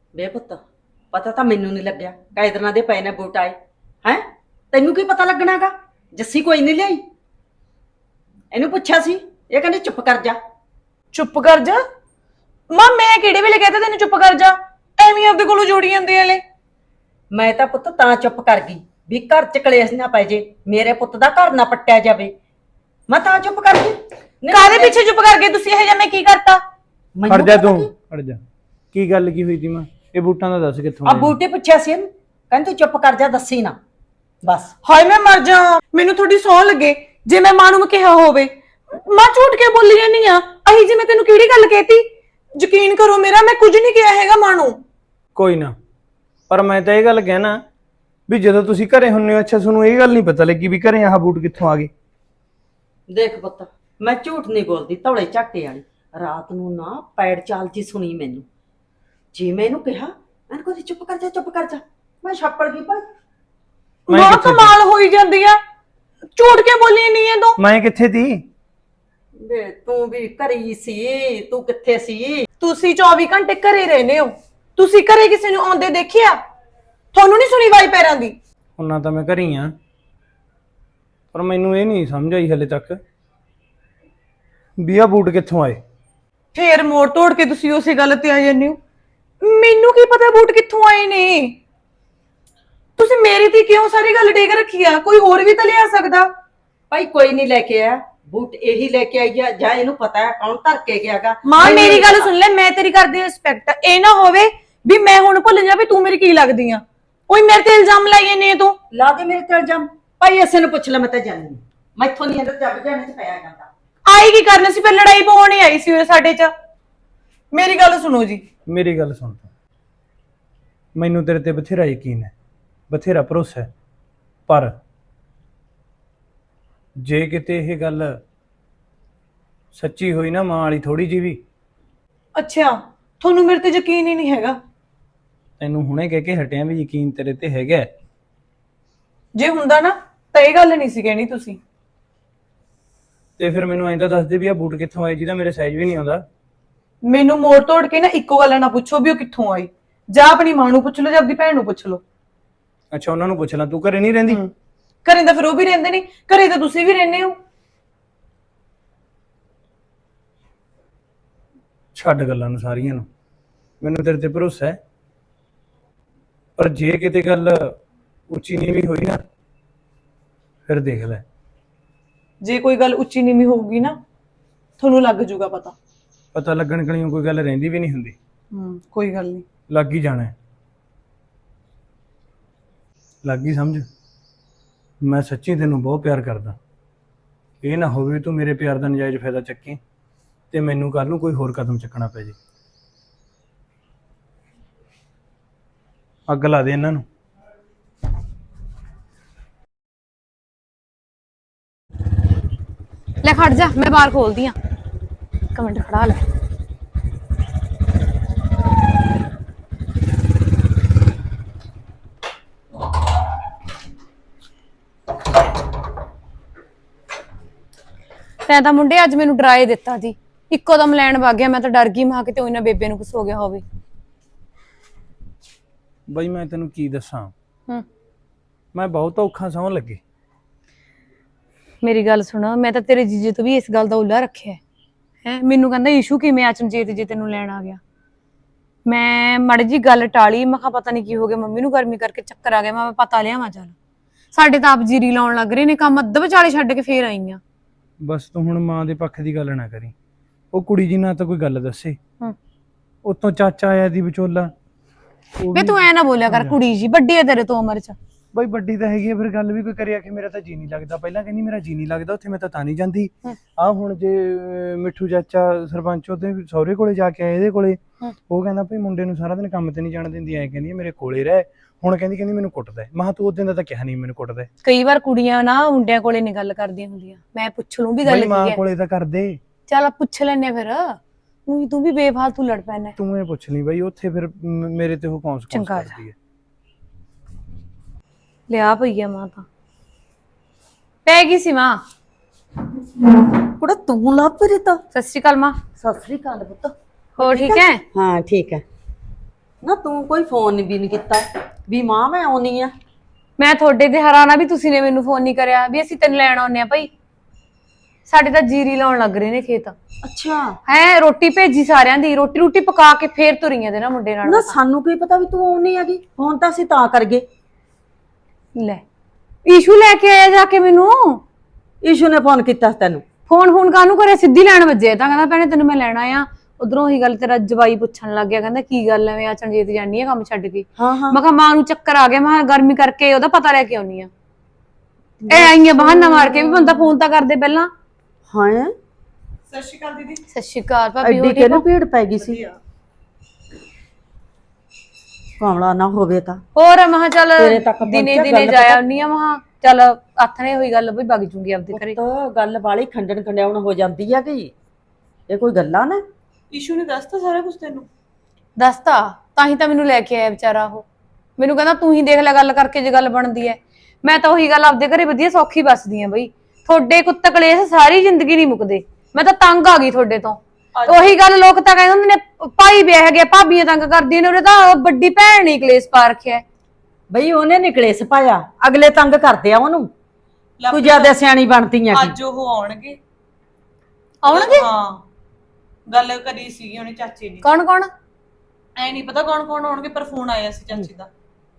ਵੇ ਪੁੱਤ ਪਤਾ ਤਾਂ ਮੈਨੂੰ ਨਹੀਂ ਲੱਗਿਆ ਕਾਇ ਦਿਨਾਂ ਦੇ ਪਏ ਨੇ ਬੂਟ ਆਏ ਹੈ। ਤੈਨੂੰ ਕੀ ਪਤਾ ਲੱਗਣਾਗਾ? ਜੱਸੀ ਕੋਈ ਨਹੀਂ ਲਿਆਈ। ਇਹਨੂੰ ਪੁੱਛਿਆ ਸੀ, ਇਹ ਕਹਿੰਦੀ ਚੁੱਪ ਕਰ ਜਾ। ਚੁੱਪ ਕਰ ਜਾ? ਮਾਂ ਮੈਂ ਕਿਹੜੇ ਵੇਲੇ ਕਹਤਾ ਤੈਨੂੰ ਚੁੱਪ ਕਰ ਜਾ? ਐਵੇਂ ਆਪਦੇ ਕੋਲੋਂ ਜੋੜੀ ਜਾਂਦੇ ਆਲੇ। ਮੈਂ ਤਾਂ ਪੁੱਤ ਤਾਂ ਚੁੱਪ ਕਰ ਗਈ ਵੀ ਘਰ ਚ ਕਲੇਸ਼ ਨਾ ਪੈ ਜੇ, ਮੇਰੇ ਪੁੱਤ ਦਾ ਘਰ ਨਾ ਪੱਟਿਆ ਜਾਵੇ। ਮੈਂ ਤਾਂ ਚੁੱਪ ਕਰ ਗਈ। ਕਾਹਦੇ ਪਿੱਛੇ ਚੁੱਪ ਕਰ ਗਏ ਤੁਸੀਂ? ਇਹ ਜਾਂ ਮੈਂ ਕੀ ਕਰਤਾ? ਖੜ ਜਾ ਤੂੰ, ਖੜ ਜਾ। ਕੀ ਗੱਲ ਕੀ ਹੋਈ ਤੀ ਮਾਂ? ਇਹ ਬੂਟਾਂ ਦਾ ਦੱਸ ਕਿੱਥੋਂ ਆ ਆਏ? ਬੂਟੇ ਪੁੱਛਿਆ ਸੀ ਇਹਨੂੰ, ਕਹਿੰਦੀ ਚੁੱਪ ਕਰ ਜਾ, ਦੱਸੀ ਨਾ ਬਸ। ਹਾਏ ਮੈਂ ਮਰ ਜਾ, ਮੈਨੂੰ ਥੋੜੀ ਸੌ ਲੱਗੇ ਜੇ ਮੈਂ ਮਾਂ ਨੂੰ ਕਿਹਾ ਹੋਵੇ। ਮਾਂ ਝੂਠ ਕੇ ਬੋਲੀ ਜਾਂਦੀ ਆ? ਅਹੀ ਜੀ ਮੈਂ ਤੈਨੂੰ ਕਿਹੜੀ ਗੱਲ ਕਹਿਤੀ? ਯਕੀਨ ਕਰੋ ਮੇਰਾ, ਮੈਂ ਕੁਝ ਨਹੀਂ ਕਿਹਾ ਹੈਗਾ ਮਾਂ ਨੂੰ। ਕੋਈ ਨਾ, ਪਰ ਮੈਂ ਤਾਂ ਇਹ ਗੱਲ ਕਹਿਣਾ ਵੀ ਜਦੋਂ ਤੁਸੀਂ ਘਰੇ ਹੁੰਨੇ ਹੋ, ਅੱਛਾ ਤੁਹਾਨੂੰ ਇਹ ਗੱਲ ਨਹੀਂ ਪਤਾ ਲੱਗੀ ਵੀ ਘਰੇ ਆਹ ਬੂਟ ਕਿੱਥੋਂ ਆ ਗਏ? ਦੇਖ ਪੁੱਤ, ਮੈਂ ਝੂਠ ਨਹੀਂ ਬੋਲਦੀ, ਧੌਲੇ ਝਾਟੇ ਵਾਲੀ। ਰਾਤ ਨੂੰ ਨਾ ਪੈੜ ਚਾਲ ਜੀ ਸੁਣੀ ਮੈਨੂੰ। ਜੇ ਮੈਂ ਇਹਨੂੰ ਕਿਹਾ ਮੈਂ ਕਹਿੰਦੀ ਚੁੱਪ ਕਰ ਜਾ, ਚੁੱਪ ਕਰ ਜਾ, ਮੈਂ ਛਾਪੜ ਗਈ ਭਾਈ। ਮੈਂ ਮਾਂ ਕਿੱਥੇ ਕਮਾਲ ਹੋਈ ਜਾਂਦੀ ਆ, ਝੂਠ ਕੇ ਬੋਲੀ ਨਹੀਂ ਐ ਤੂੰ। ਮੈਂ ਕਿੱਥੇ ਤੀ? ਵੇ ਤੂੰ ਵੀ ਘਰੇ ਹੀ ਸੀ, ਤੂੰ ਕਿੱਥੇ ਸੀ? ਤੁਸੀਂ 24 ਘੰਟੇ ਘਰੇ ਰਹਿੰਦੇ ਹੋ, ਤੁਸੀਂ ਘਰੇ ਕਿਸੇ ਨੂੰ ਆਉਂਦੇ ਦੇਖਿਆ? ਤੁਹਾਨੂੰ ਨਹੀਂ ਸੁਣੀ ਵਾਈ ਪੈਰਾਂ ਦੀ? ਉਹਨਾਂ ਤਾਂ ਮੈਂ ਘਰੇ ਹੀ ਆ, ਪਰ ਮੈਨੂੰ ਇਹ ਨਹੀਂ ਸਮਝ ਆਈ ਹਲੇ ਤੱਕ ਵੀ ਆਹ ਬੂਟ ਕਿੱਥੋਂ ਆਏ। ਫੇਰ ਮੋੜ ਤੋੜ ਕੇ ਤੁਸੀਂ ਉਸੇ ਗੱਲ ਤੇ ਆ ਜਾਂਦੇ ਹੋ। ਮੈਨੂੰ ਕੀ ਪਤਾ ਬੂਟ ਕਿੱਥੋਂ ਆਏ ਨੇ? ਤੁਸੀਂ ਮੇਰੀ ਤੇ ਕਿਉਂ ਸਾਰੀ ਗੱਲ ਡੇਗ ਰੱਖੀ ਆ? ਕੋਈ ਹੋਰ ਵੀ ਤਾਂ ਲਿਆ ਸਕਦਾ। ਭਾਈ ਕੋਈ ਨਹੀਂ ਲੈ ਕੇ ਆਇਆ ਬੂਟ, ਇਹੀ ਲੈ ਕੇ ਆਈ ਆ, ਜਾਂ ਇਹਨੂੰ ਪਤਾ ਹੈ ਕੌਣ ਧਰ ਕੇ ਗਿਆਗਾ। ਮਾਂ ਮੇਰੀ ਗੱਲ ਸੁਣ ਲੈ, ਮੈਂ ਤੇਰੀ ਕਰਦੀ ਰਿਸਪੈਕਟ। ਇਹ ਨਾ ਹੋਵੇ ਵੀ ਮੈਂ ਹੁਣ ਭੁੱਲ ਜਾ ਵੀ ਤੂੰ ਮੇਰੀ ਕੀ ਲੱਗਦੀ ਆ। ਓਏ ਮੇਰੇ ਤੇ ਇਲਜ਼ਾਮ ਲਾਈਏ ਨੇ ਤੂੰ। ਲਾ ਦੇ ਮੇਰੇ ਤੇ ਇਲਜ਼ਾਮ। ਭਾਈ ਇਸੇ ਨੂੰ ਪੁੱਛ ਲੈ, ਮੈਂ ਤਾਂ ਜਾਣੀ ਮੈਥੋਂ ਨਹੀਂ ਅੰਦਰ ਜੱਬ ਜਾਣੇ ਚ ਪਿਆ ਜਾਂਦਾ। ਆਈ ਕੀ ਕਰਨਾ ਸੀ? ਫਿਰ ਲੜਾਈ ਪਾਉਣ ਹੀ ਆਈ ਸੀ ਉਹ ਸਾਡੇ ਚ। ਮੇਰੀ ਗੱਲ ਸੁਣੋ ਜੀ। ਮੇਰੀ ਗੱਲ ਸੁਣ ਤੂੰ, ਮੈਨੂੰ ਤੇਰੇ ਤੇ ਬਥੇਰਾ ਯਕੀਨ ਹੈ, ਬਥੇਰਾ ਭਰੋਸਾ ਹੈ, ਪਰ ਜੇ ਕਿਤੇ ਇਹ ਗੱਲ ਸੱਚੀ ਹੋਈ ਨਾ ਮਾਂ ਵਾਲੀ ਥੋੜੀ ਜਿਹੀ ਵੀ, ਅੱਛਾ ਤੁਹਾਨੂੰ ਮੇਰੇ ਤੇ ਯਕੀਨ ਹੀ ਨਹੀਂ ਹੈਗਾ? ਤੈਨੂੰ ਹੁਣੇ ਕਹਿ ਕੇ ਹਟਿਆ ਵੀ ਯਕੀਨ ਤੇਰੇ ਤੇ ਹੈਗਾ ਹੈ। ਜੇ ਹੁੰਦਾ ਨਾ ਤਾਂ ਇਹ ਗੱਲ ਨਹੀਂ ਸੀ ਕਹਿਣੀ ਤੁਸੀਂ। ਤੇ ਫਿਰ ਮੈਨੂੰ ਐਂ ਤਾਂ ਦੱਸ ਦੇ ਵੀ ਆ ਬੂਟ ਕਿੱਥੋਂ ਆਏ ਜਿਹਦਾ ਮੇਰੇ ਸਾਈਜ਼ ਵੀ ਨਹੀਂ ਆਉਂਦਾ। ਮੈਨੂੰ ਮੋੜ ਤੋੜ ਕੇ ਨਾ ਇੱਕੋ ਗੱਲ ਨਾ ਪੁੱਛੋ ਵੀ ਉਹ ਕਿੱਥੋਂ ਆਈ। ਜਾਂ ਆਪਣੀ ਮਾਂ ਨੂੰ ਪੁੱਛ ਲਓ ਜਾਂ ਆਪਣੀ ਭੈਣ ਨੂੰ ਪੁੱਛ ਲਓ। ਅੱਛਾ ਉਹਨਾਂ ਨੂੰ ਪੁੱਛ ਲੈ, ਤੂੰ ਘਰੇ ਨਹੀਂ ਰਹਿੰਦੀ? ਘਰੇ ਤਾਂ ਫਿਰ ਉਹ ਵੀ ਰਹਿੰਦੇ ਨੇ, ਘਰੇ ਤਾਂ ਤੁਸੀਂ ਵੀ ਰਹਿੰਦੇ ਹੋ। ਛੱਡ ਗੱਲਾਂ ਨੂੰ ਸਾਰੀਆਂ ਨੂੰ, ਮੈਨੂੰ ਤੇਰੇ ਤੇ ਭਰੋਸਾ ਹੈ, ਪਰ ਜੇ ਕਿਤੇ ਗੱਲ ਉੱਚੀ ਨੀਵੀਂ ਹੋਈ ਨਾ ਫਿਰ ਦੇਖ ਲੈ। ਜੇ ਕੋਈ ਗੱਲ ਉੱਚੀ ਨੀਵੀਂ ਹੋਊਗੀ ਨਾ ਤੁਹਾਨੂੰ ਲੱਗ ਜੂਗਾ ਪਤਾ। ਪਤਾ ਲੱਗਣ ਕਣੀਓ ਕੋਈ ਗੱਲ ਰਹਿੰਦੀ ਵੀ ਨਹੀਂ ਹੁੰਦੀ। ਕੋਈ ਗੱਲ ਨਹੀਂ, ਲੱਗ ਹੀ ਜਾਣਾ ਹੈ। ਲੱਗ ਹੀ ਸਮਝ, ਮੈਂ ਸੱਚੀ ਤੈਨੂੰ ਬਹੁਤ ਪਿਆਰ ਕਰਦਾ। ਇਹ ਨਾ ਹੋਵੇ ਤੂੰ ਮੇਰੇ ਪਿਆਰ ਦਾ ਨਜਾਇਜ਼ ਫਾਇਦਾ ਚੱਕੀ ਤੇ ਮੈਨੂੰ ਕੱਲ ਨੂੰ ਕੋਈ ਹੋਰ ਕਦਮ ਚੱਕਣਾ ਪੈ ਜੇ। ਅੱਗ ਲਾ ਦੇ ਇਹਨਾਂ ਨੂੰ। ਲੈ ਖੜ ਜਾ, ਮੈਂ ਬਾਹਰ ਖੋਲਦੀ ਆ। ਇੱਕ ਮਿੰਟ ਖੜਾ ਲੈ। ਤੈਂ ਤਾਂ ਮੁੰਡੇ ਅੱਜ ਮੈਨੂੰ ਡਰਾਏ ਦਿੱਤਾ ਸੀ, ਇੱਕੋ ਦਮ ਲੈਣ ਵਗ ਗਿਆ। ਮੈਂ ਤਾਂ ਡਰ ਗਈ, ਮੈਂ ਕਿਤੇ ਉਹਨਾਂ ਬੇਬੇ ਨੂੰ ਕੁਛ ਹੋ ਗਿਆ ਹੋਵੇ। ਬਈ ਮੈਂ ਤੈਨੂੰ ਕੀ ਦੱਸਾਂ, ਮੈਂ ਬਹੁਤ ਔਖਾ ਸੌਣ ਲੱਗੇ। ਮੇਰੀ ਗੱਲ ਸੁਣ, ਮੈਂ ਤਾਂ ਤੇਰੇ ਜੀਜੇ ਤੋਂ ਵੀ ਇਸ ਗੱਲ ਦਾ ਉੱਲਾ ਰੱਖਿਆ ਹੈ। ਮੈਨੂੰ ਕਹਿੰਦਾ ਇਸ਼ੂ ਕਿਵੇਂ ਅਚਨਚੇਤ ਜੇ ਤੈਨੂੰ ਲੈਣ ਆ ਗਿਆ। ਮੈਂ ਮਾੜੀ ਜੀ ਗੱਲ ਟਾਲੀ, ਮੈਂ ਕਿਹਾ ਪਤਾ ਨਹੀਂ ਕੀ ਹੋ ਗਿਆ, ਮੰਮੀ ਨੂੰ ਗਰਮੀ ਕਰਕੇ ਚੱਕਰ ਆ ਗਿਆ। ਮੈਂ ਪਤਾ ਲਿਆ ਚੱਲ ਸਾਡੇ ਤਾਂ ਆਪ ਜੀਰੀ ਲਾਉਣ ਲੱਗ ਰਹੇ ਨੇ, ਕੰਮ ਅੱਧ ਵਿਚਾਲੇ ਛੱਡ ਕੇ ਫੇਰ ਆਈ ਆ। ਬਸ ਤੂੰ ਹੁਣ ਮਾਂ ਦੇ ਪੱਖ ਦੀ ਗੱਲ ਨਾ ਕਰੀ। ਉਹ ਕੁੜੀ ਜੀ ਨਾ ਤਾਂ ਕੋਈ ਗੱਲ ਦੱਸੇ, ਉਤੋਂ ਚਾਚਾ ਆਇਆ ਦੀ ਵਿਚੋਲਾ। ਵੇ ਤੂੰ ਐ ਨਾ ਬੋਲਿਆ ਕਰ, ਕੁੜੀ ਜੀ ਵੱਡੀ ਹੈ ਤੇਰੇ ਤੋਂ ਉਮਰ ਚ। ਬਈ ਵੱਡੀ ਤਾਂ ਹੈਗੀ ਆ, ਫਿਰ ਗੱਲ ਵੀ ਕੋਈ ਕਰਿਆ ਕਿ ਮੇਰਾ ਤਾਂ ਜੀ ਨਹੀਂ ਲੱਗਦਾ। ਪਹਿਲਾਂ ਕਹਿੰਦੀ ਮੇਰਾ ਜੀ ਨਹੀਂ ਲੱਗਦਾ ਉੱਥੇ, ਮੈਂ ਤਾਂ ਨਹੀਂ ਜਾਂਦੀ। ਆਹ ਹੁਣ ਜੇ ਮਿੱਠੂ ਚਾਚਾ ਸਰਪੰਚ ਉਹਦੇ ਸਹੁਰੇ ਕੋਲੇ ਜਾ ਕੇ ਆਏ ਇਹਦੇ ਕੋਲੇ, ਉਹ ਕਹਿੰਦਾ ਭਈ ਮੁੰਡੇ ਨੂੰ ਸਾਰਾ ਦਿਨ ਕੰਮ ਤੇ ਨਹੀਂ ਜਾਣ ਦਿੰਦੀ, ਐ ਕਹਿੰਦੀ ਮੇਰੇ ਕੋਲੇ ਰਹਿ। ਹੁਣ ਕਹਿੰਦੀ ਮੈਨੂੰ ਕੁੱਟਦਾ। ਮੈਂ ਕਿਹਾ ਤੂੰ ਉਦੋਂ ਦਾ ਤਾਂ ਕਿਹਾ ਨਹੀਂ ਮੈਨੂੰ ਕੁੱਟਦਾ। ਕਈ ਵਾਰ ਕੁੜੀਆਂ ਨਾ ਮੁੰਡਿਆਂ ਕੋਲੇ ਨਹੀਂ ਗੱਲ ਕਰਦੀਆਂ ਹੁੰਦੀਆਂ। ਮੈਂ ਪੁੱਛ ਲੂੰ ਵੀ ਗੱਲ ਕੀ ਮਾਂ ਹੈ। ਕੋਲੇ ਤਾਂ ਕਰਦੇ। ਚੱਲ ਪੁੱਛ ਲੈਨੇ ਫਿਰ। ਤੂੰ ਵੀ ਬੇਫਾਲਤੂ ਲੜ ਪੈਣਾ। ਤੂੰ ਇਹ ਪੁੱਛ ਲਈ ਬਈ ਉੱਥੇ ਫਿਰ ਮੇਰੇ ਤੇ ਉਹ ਕੌਂਸ ਕਰਦੀ ਹੈ। ਲਿਆ ਪਈ ਆ ਮਾਂ ਤਾਂ ਪੈ ਗਈ ਸੀ ਮਾਂ। ਕੁੜਾ ਤੂੰ ਲੱਭ ਰਹੀ ਤਾਂ। ਸਤਿ ਸ਼੍ਰੀ ਅਕਾਲ ਮਾਂ। ਸਤਿ ਸ੍ਰੀ ਅਕਾਲ ਪੁੱਤ। ਹੋਰ ਠੀਕ ਹੈ? ਹਾਂ ਠੀਕ ਹੈ। ਨਾ ਤੂੰ ਕੋਈ ਫੋਨ ਵੀ ਨਹੀਂ ਕੀਤਾ ਵੀ ਮਾਂ ਮੈਂ ਆਉਣੀ ਆ। ਮੈਂ ਤੁਹਾਡੇ ਤੇ ਹੈਰਾਨ ਆ ਵੀ ਤੁਸੀਂ ਨੇ ਮੈਨੂੰ ਫੋਨ ਨਹੀਂ ਕਰਿਆ ਵੀ ਅਸੀਂ ਤੈਨੂੰ ਲੈਣ ਆਉਨੇ ਆ ਭਾਈ। ਸਾਡੇ ਤਾਂ ਜੀਰੀ ਲਾਉਣ ਲੱਗ ਰਹੇ ਨੇ ਖੇਤ। ਅੱਛਾ ਹੈ ਰੋਟੀ ਭੇਜੀ ਸਾਰਿਆਂ ਦੀ, ਰੋਟੀ ਰੋਟੀ ਪਕਾ ਕੇ ਫੇਰ ਤੁਰੀਆਂ ਦੇ ਨਾ ਮੁੰਡੇ ਨਾਲ। ਨਾ ਸਾਨੂੰ ਕੀ ਪਤਾ ਵੀ ਤੂੰ ਆਉਣੀ ਹੈਗੀ, ਫੋਨ ਤਾਂ ਅਸੀਂ ਤਾਂ ਕਰ ਗਏ। ਲੈ ਈਸ਼ੂ ਲੈ ਕੇ ਆਇਆ ਜਾ ਕੇ ਮੈਨੂੰ। ਈਸ਼ੂ ਨੇ ਫੋਨ ਕੀਤਾ ਤੈਨੂੰ? ਫੋਨ ਕਾਹਨੂੰ ਕਰਿਆ, ਸਿੱਧੀ ਲੈਣ ਵੱਜੇ ਤਾਂ ਕਹਿੰਦਾ ਭੈਣੇ ਤੈਨੂੰ ਮੈਂ ਲੈਣਾ ਆ। ਉਧਰੋਂ ਹੀ ਗੱਲ ਤੇਰਾ ਜਵਾਈ ਪੁੱਛਣ ਲੱਗ ਗਿਆ, ਕਹਿੰਦਾ ਕੀ ਗੱਲ ਐ ਮੈਂ ਚਣਜੀਤ ਜਾਨੀ ਆ ਕੰਮ ਛੱਡ ਕੇ। ਹਾਂ ਹਾਂ ਮੈਂ ਕਿਹਾ ਮਾਂ ਨੂੰ ਚੱਕਰ ਆ ਗਿਆ, ਮੈਂ ਕਿਹਾ ਗਰਮੀ ਕਰਕੇ ਉਹਦਾ ਪਤਾ ਲੈ ਕੇ ਆਉਣੀ ਆ। ਇਹ ਆਈਆਂ ਬਹਾਨਾ ਮਾਰ ਕੇ ਵੀ ਬੰਦਾ ਫੋਨ ਤਾਂ ਕਰਦੇ ਪਹਿਲਾਂ। ਹਾਂ ਸਤਿ ਸ਼੍ਰੀ ਅਕਾਲ ਦੀਦੀ। ਸਤਿ ਸ਼੍ਰੀ ਅਕਾਲ ਭਾਬੀ। ਐਡੀ ਕਿਹਨੂੰ ਭੀੜ ਪੈ ਗਈ ਸੀ? ਕਮਲਾ ਨਾ ਹੋਵੇ ਤਾਂ ਹੋਰ ਮੈਂ ਕਿਹਾ ਚੱਲ ਤੇਰੇ ਤੱਕ ਪਹੁੰਚਿਆ ਦਿਨੇ ਗੱਲ ਦਿਨੇ ਜਾਇਆ ਆਉਣੀ ਆ। ਮੈਂ ਕਿਹਾ ਚੱਲ ਆਥਣੇ ਹੋਈ ਗੱਲ ਵੀ ਵਗ ਜੂਗੀ ਆਪਦੇ ਘਰੇ। ਤਾਂ ਗੱਲ ਵਾਲੀ ਖੰਡਣ ਖੰਡਿਆਉਣ ਹੋ ਜਾਂਦੀ ਆ ਕਿ ਇਹ ਕੋਈ ਗੱਲਾਂ ਨੇ? ਈਸ਼ੂ ਨੇ ਦੱਸਤਾ ਸਾਰਾ ਕੁਝ ਤੈਨੂੰ? ਦੱਸਤਾ ਤਾਂ ਹੀ ਤਾਂ ਮੈਨੂੰ ਲੈ ਕੇ ਆਇਆ ਵਿਚਾਰਾ ਉਹ। ਮੈਨੂੰ ਕਹਿੰਦਾ ਤੂੰ ਹੀ ਦੇਖ ਲੈ ਗੱਲ ਕਰਕੇ ਜੇ ਗੱਲ ਬਣਦੀ ਐ। ਮੈਂ ਤਾਂ ਉਹੀ ਗੱਲ ਆਪਦੇ ਘਰੇ ਵਧੀਆ ਸੌਖੀ ਬਸਦੀ ਆ ਬਈ। ਤੁਹਾਡੇ ਕੁੱਤ ਕਲੇਸ਼ ਸਾਰੀ ਜ਼ਿੰਦਗੀ ਨਹੀਂ ਮੁੱਕਦੇ। ਮੈਂ ਤਾਂ ਤੰਗ ਆ ਗਈ ਤੁਹਾਡੇ ਤੋਂ। ਉਹੀ ਗੱਲ ਲੋਕ ਤਾਂ ਕਹਿੰਦੇ ਹੁੰਦੇ ਨੇ ਭਾਈ ਵਿਆਹ ਗਿਆ ਭਾਬੀਆਂ ਤੰਗ ਕਰਦੀਆਂ ਨੇ, ਉਹਨੇ ਤਾਂ ਵੱਡੀ ਭੈਣ ਨੇ ਕਲੇਸ਼ ਪਾ ਰੱਖਿਆ। ਬਈ ਉਹਨੇ ਨਿਕਲੇਸ ਪਾਇਆ, ਅਗਲੇ ਤੰਗ ਕਰਦੇ ਆ ਉਹਨੂੰ। ਤੂੰ ਜਿਆਦਾ ਸਿਆਣੀ ਬਣਦੀ ਆ ਅੱਜ ਉਹ ਆਉਣਗੇ। ਆਉਣਗੇ? ਹਾਂ ਗੱਲ ਕਰੀ ਸੀਗੀ ਉਹਨੇ ਚਾਚੇ ਨੇ। ਕੌਣ ਕੌਣ? ਐ ਨਹੀਂ ਪਤਾ ਕੌਣ ਕੌਣ ਆਉਣਗੇ, ਪਰ ਫੋਨ ਆਇਆ ਸੀ ਚਾਚੀ ਦਾ।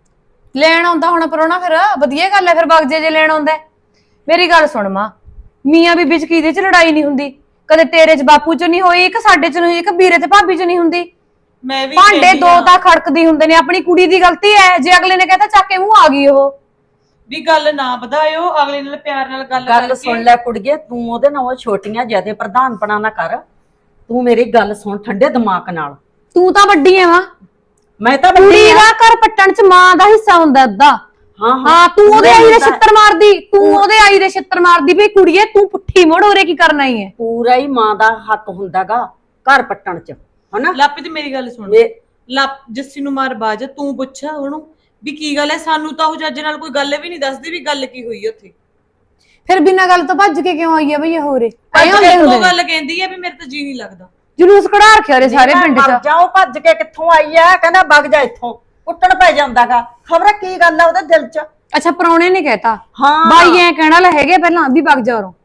ਲੈਣ ਆਉਂਦਾ ਹੁਣ ਪਰੋਣਾ, ਫਿਰ ਵਧੀਆ ਗੱਲ ਹੈ। ਫਿਰ ਵਗ ਜੇ ਲੈਣ ਆਉਂਦਾ। ਮੇਰੀ ਗੱਲ ਸੁਣ ਮਾਂ, ਮੀਆਂ ਬੀਬੀ ਚ ਕਿਹਦੇ ਚ ਲੜਾਈ ਨਹੀਂ ਹੁੰਦੀ? ਕਦੇ ਤੇਰੇ ਚ ਬਾਪੂ ਚ ਨਹੀਂ ਹੋਈ, ਇੱਕ ਸਾਡੇ ਚ ਨਹੀਂ ਹੋਈ, ਇੱਕ ਵੀਰੇ ਤੇ ਭਾਬੀ ਚ ਨਹੀਂ ਹੁੰਦੀ। ਮੈਂ ਵੀ ਭਾਂਡੇ ਦੋ ਤਾਂ ਖੜਕਦੀ ਹੁੰਦੇ ਨੇ। ਆਪਣੀ ਕੁੜੀ ਦੀ ਗਲਤੀ ਹੈ ਜੇ ਅਗਲੇ ਨੇ ਕਹਿਤਾ ਚੱਕ ਕੇ ਮੂੰਹ ਆ ਗਈ ਉਹ। ਵੀ ਗੱਲ ਨਾ ਵਧਾਇਓ, ਅਗਲੇ ਨਾਲ ਪਿਆਰ ਨਾਲ ਗੱਲ ਗੱਲ ਸੁਣ ਲੈ ਕੁੜੀਏ, ਤੂੰ ਉਹਦੇ ਨਾਲ ਛੋਟੀਆਂ ਜਿਆਦੇ ਪ੍ਰਧਾਨਪਣਾ ਨਾ ਕਰ। ਤੂੰ ਮੇਰੀ ਗੱਲ ਸੁਣ ਠੰਡੇ ਦਿਮਾਗ ਨਾਲ। ਤੂੰ ਤਾਂ ਵੱਡੀ ਐ ਮਾਂ। ਮੈਂ ਤਾਂ ਕੁੜੀ ਵੱਡੀ ਆ। ਦਾ ਘਰ ਪੱਟਣ ਚ ਮਾਂ ਦਾ ਹਿੱਸਾ ਹੁੰਦਾ ਅੱਧਾ। ਹਾਂ ਹਾਂ ਤੂੰ ਉਹਦੇ ਆਈ ਦੇ ਛਿੱਤਰ ਮਾਰਦੀ, ਤੂੰ ਉਹਦੇ ਆਈ ਦੇ ਛਿੱਤਰ ਮਾਰਦੀ ਵੀ ਕੁੜੀਏ ਤੂੰ ਪੁੱਠੀ ਮੋੜ ਉਰੇ ਕੀ ਕਰਨਾ ਹੀ ਹੈ। ਪੂਰਾ ਹੀ ਮਾਂ ਦਾ ਹੱਕ ਹੁੰਦਾਗਾ ਘਰ ਪੱਟਣ ਚ, ਹਨਾ? ਲਾਪੀ ਤੇ ਮੇਰੀ ਗੱਲ ਸੁਣ। ਜੱਸੀ ਨੂੰ ਮਾਰ ਬਾਜ, ਤੂੰ ਪੁੱਛਾ ਉਹਨੂੰ ਵੀ ਕੀ ਗੱਲ ਹੈ। ਸਾਨੂੰ ਤਾਂ ਉਹ ਜੱਜ ਨਾਲ ਕੋਈ ਗੱਲ ਵੀ ਨਹੀਂ ਦੱਸਦੀ ਵੀ ਗੱਲ ਕੀ ਹੋਈ ਉੱਥੇ। ਫਿਰ ਬਿਨਾਂ ਗੱਲ ਤੋਂ ਭੱਜ ਕੇ ਕਿਉਂ ਆਈ ਆ ਬਈ ਇਹ ਹੋਰੇ? ਉਹ ਗੱਲ ਕਹਿੰਦੀ ਹੈ ਵੀ ਮੇਰੇ ਤਾਂ ਜੀ ਨਹੀਂ ਲੱਗਦਾ। ਜਲੂਸ ਕਢਾ ਰੱਖਿਆ ਰੇ ਸਾਰੇ ਪਿੰਡ ਮਰ ਚ। ਜਾਓ, ਭੱਜ ਕੇ ਕਿੱਥੋਂ ਆਈ ਆ? ਕਹਿੰਦਾ ਵਗ ਜਾ ਇੱਥੋਂ, ਉੱਟਣ ਪੈ ਜਾਂਦਾਗਾ। ਖਬਰ ਕੀ ਗੱਲ ਆ ਉਹਦੇ ਦਿਲ ਚ? ਅੱਛਾ ਪ੍ਰਾਹੁਣੇ ਨੇ ਕਹਿਤਾ? ਹਾਂ ਬਾਈ ਐ ਕਹਿਣਾ ਲੈ ਹੈਗੇ ਪਹਿਲਾਂ ਵੀ ਵਗ ਜਾ ਉਰੋਂ।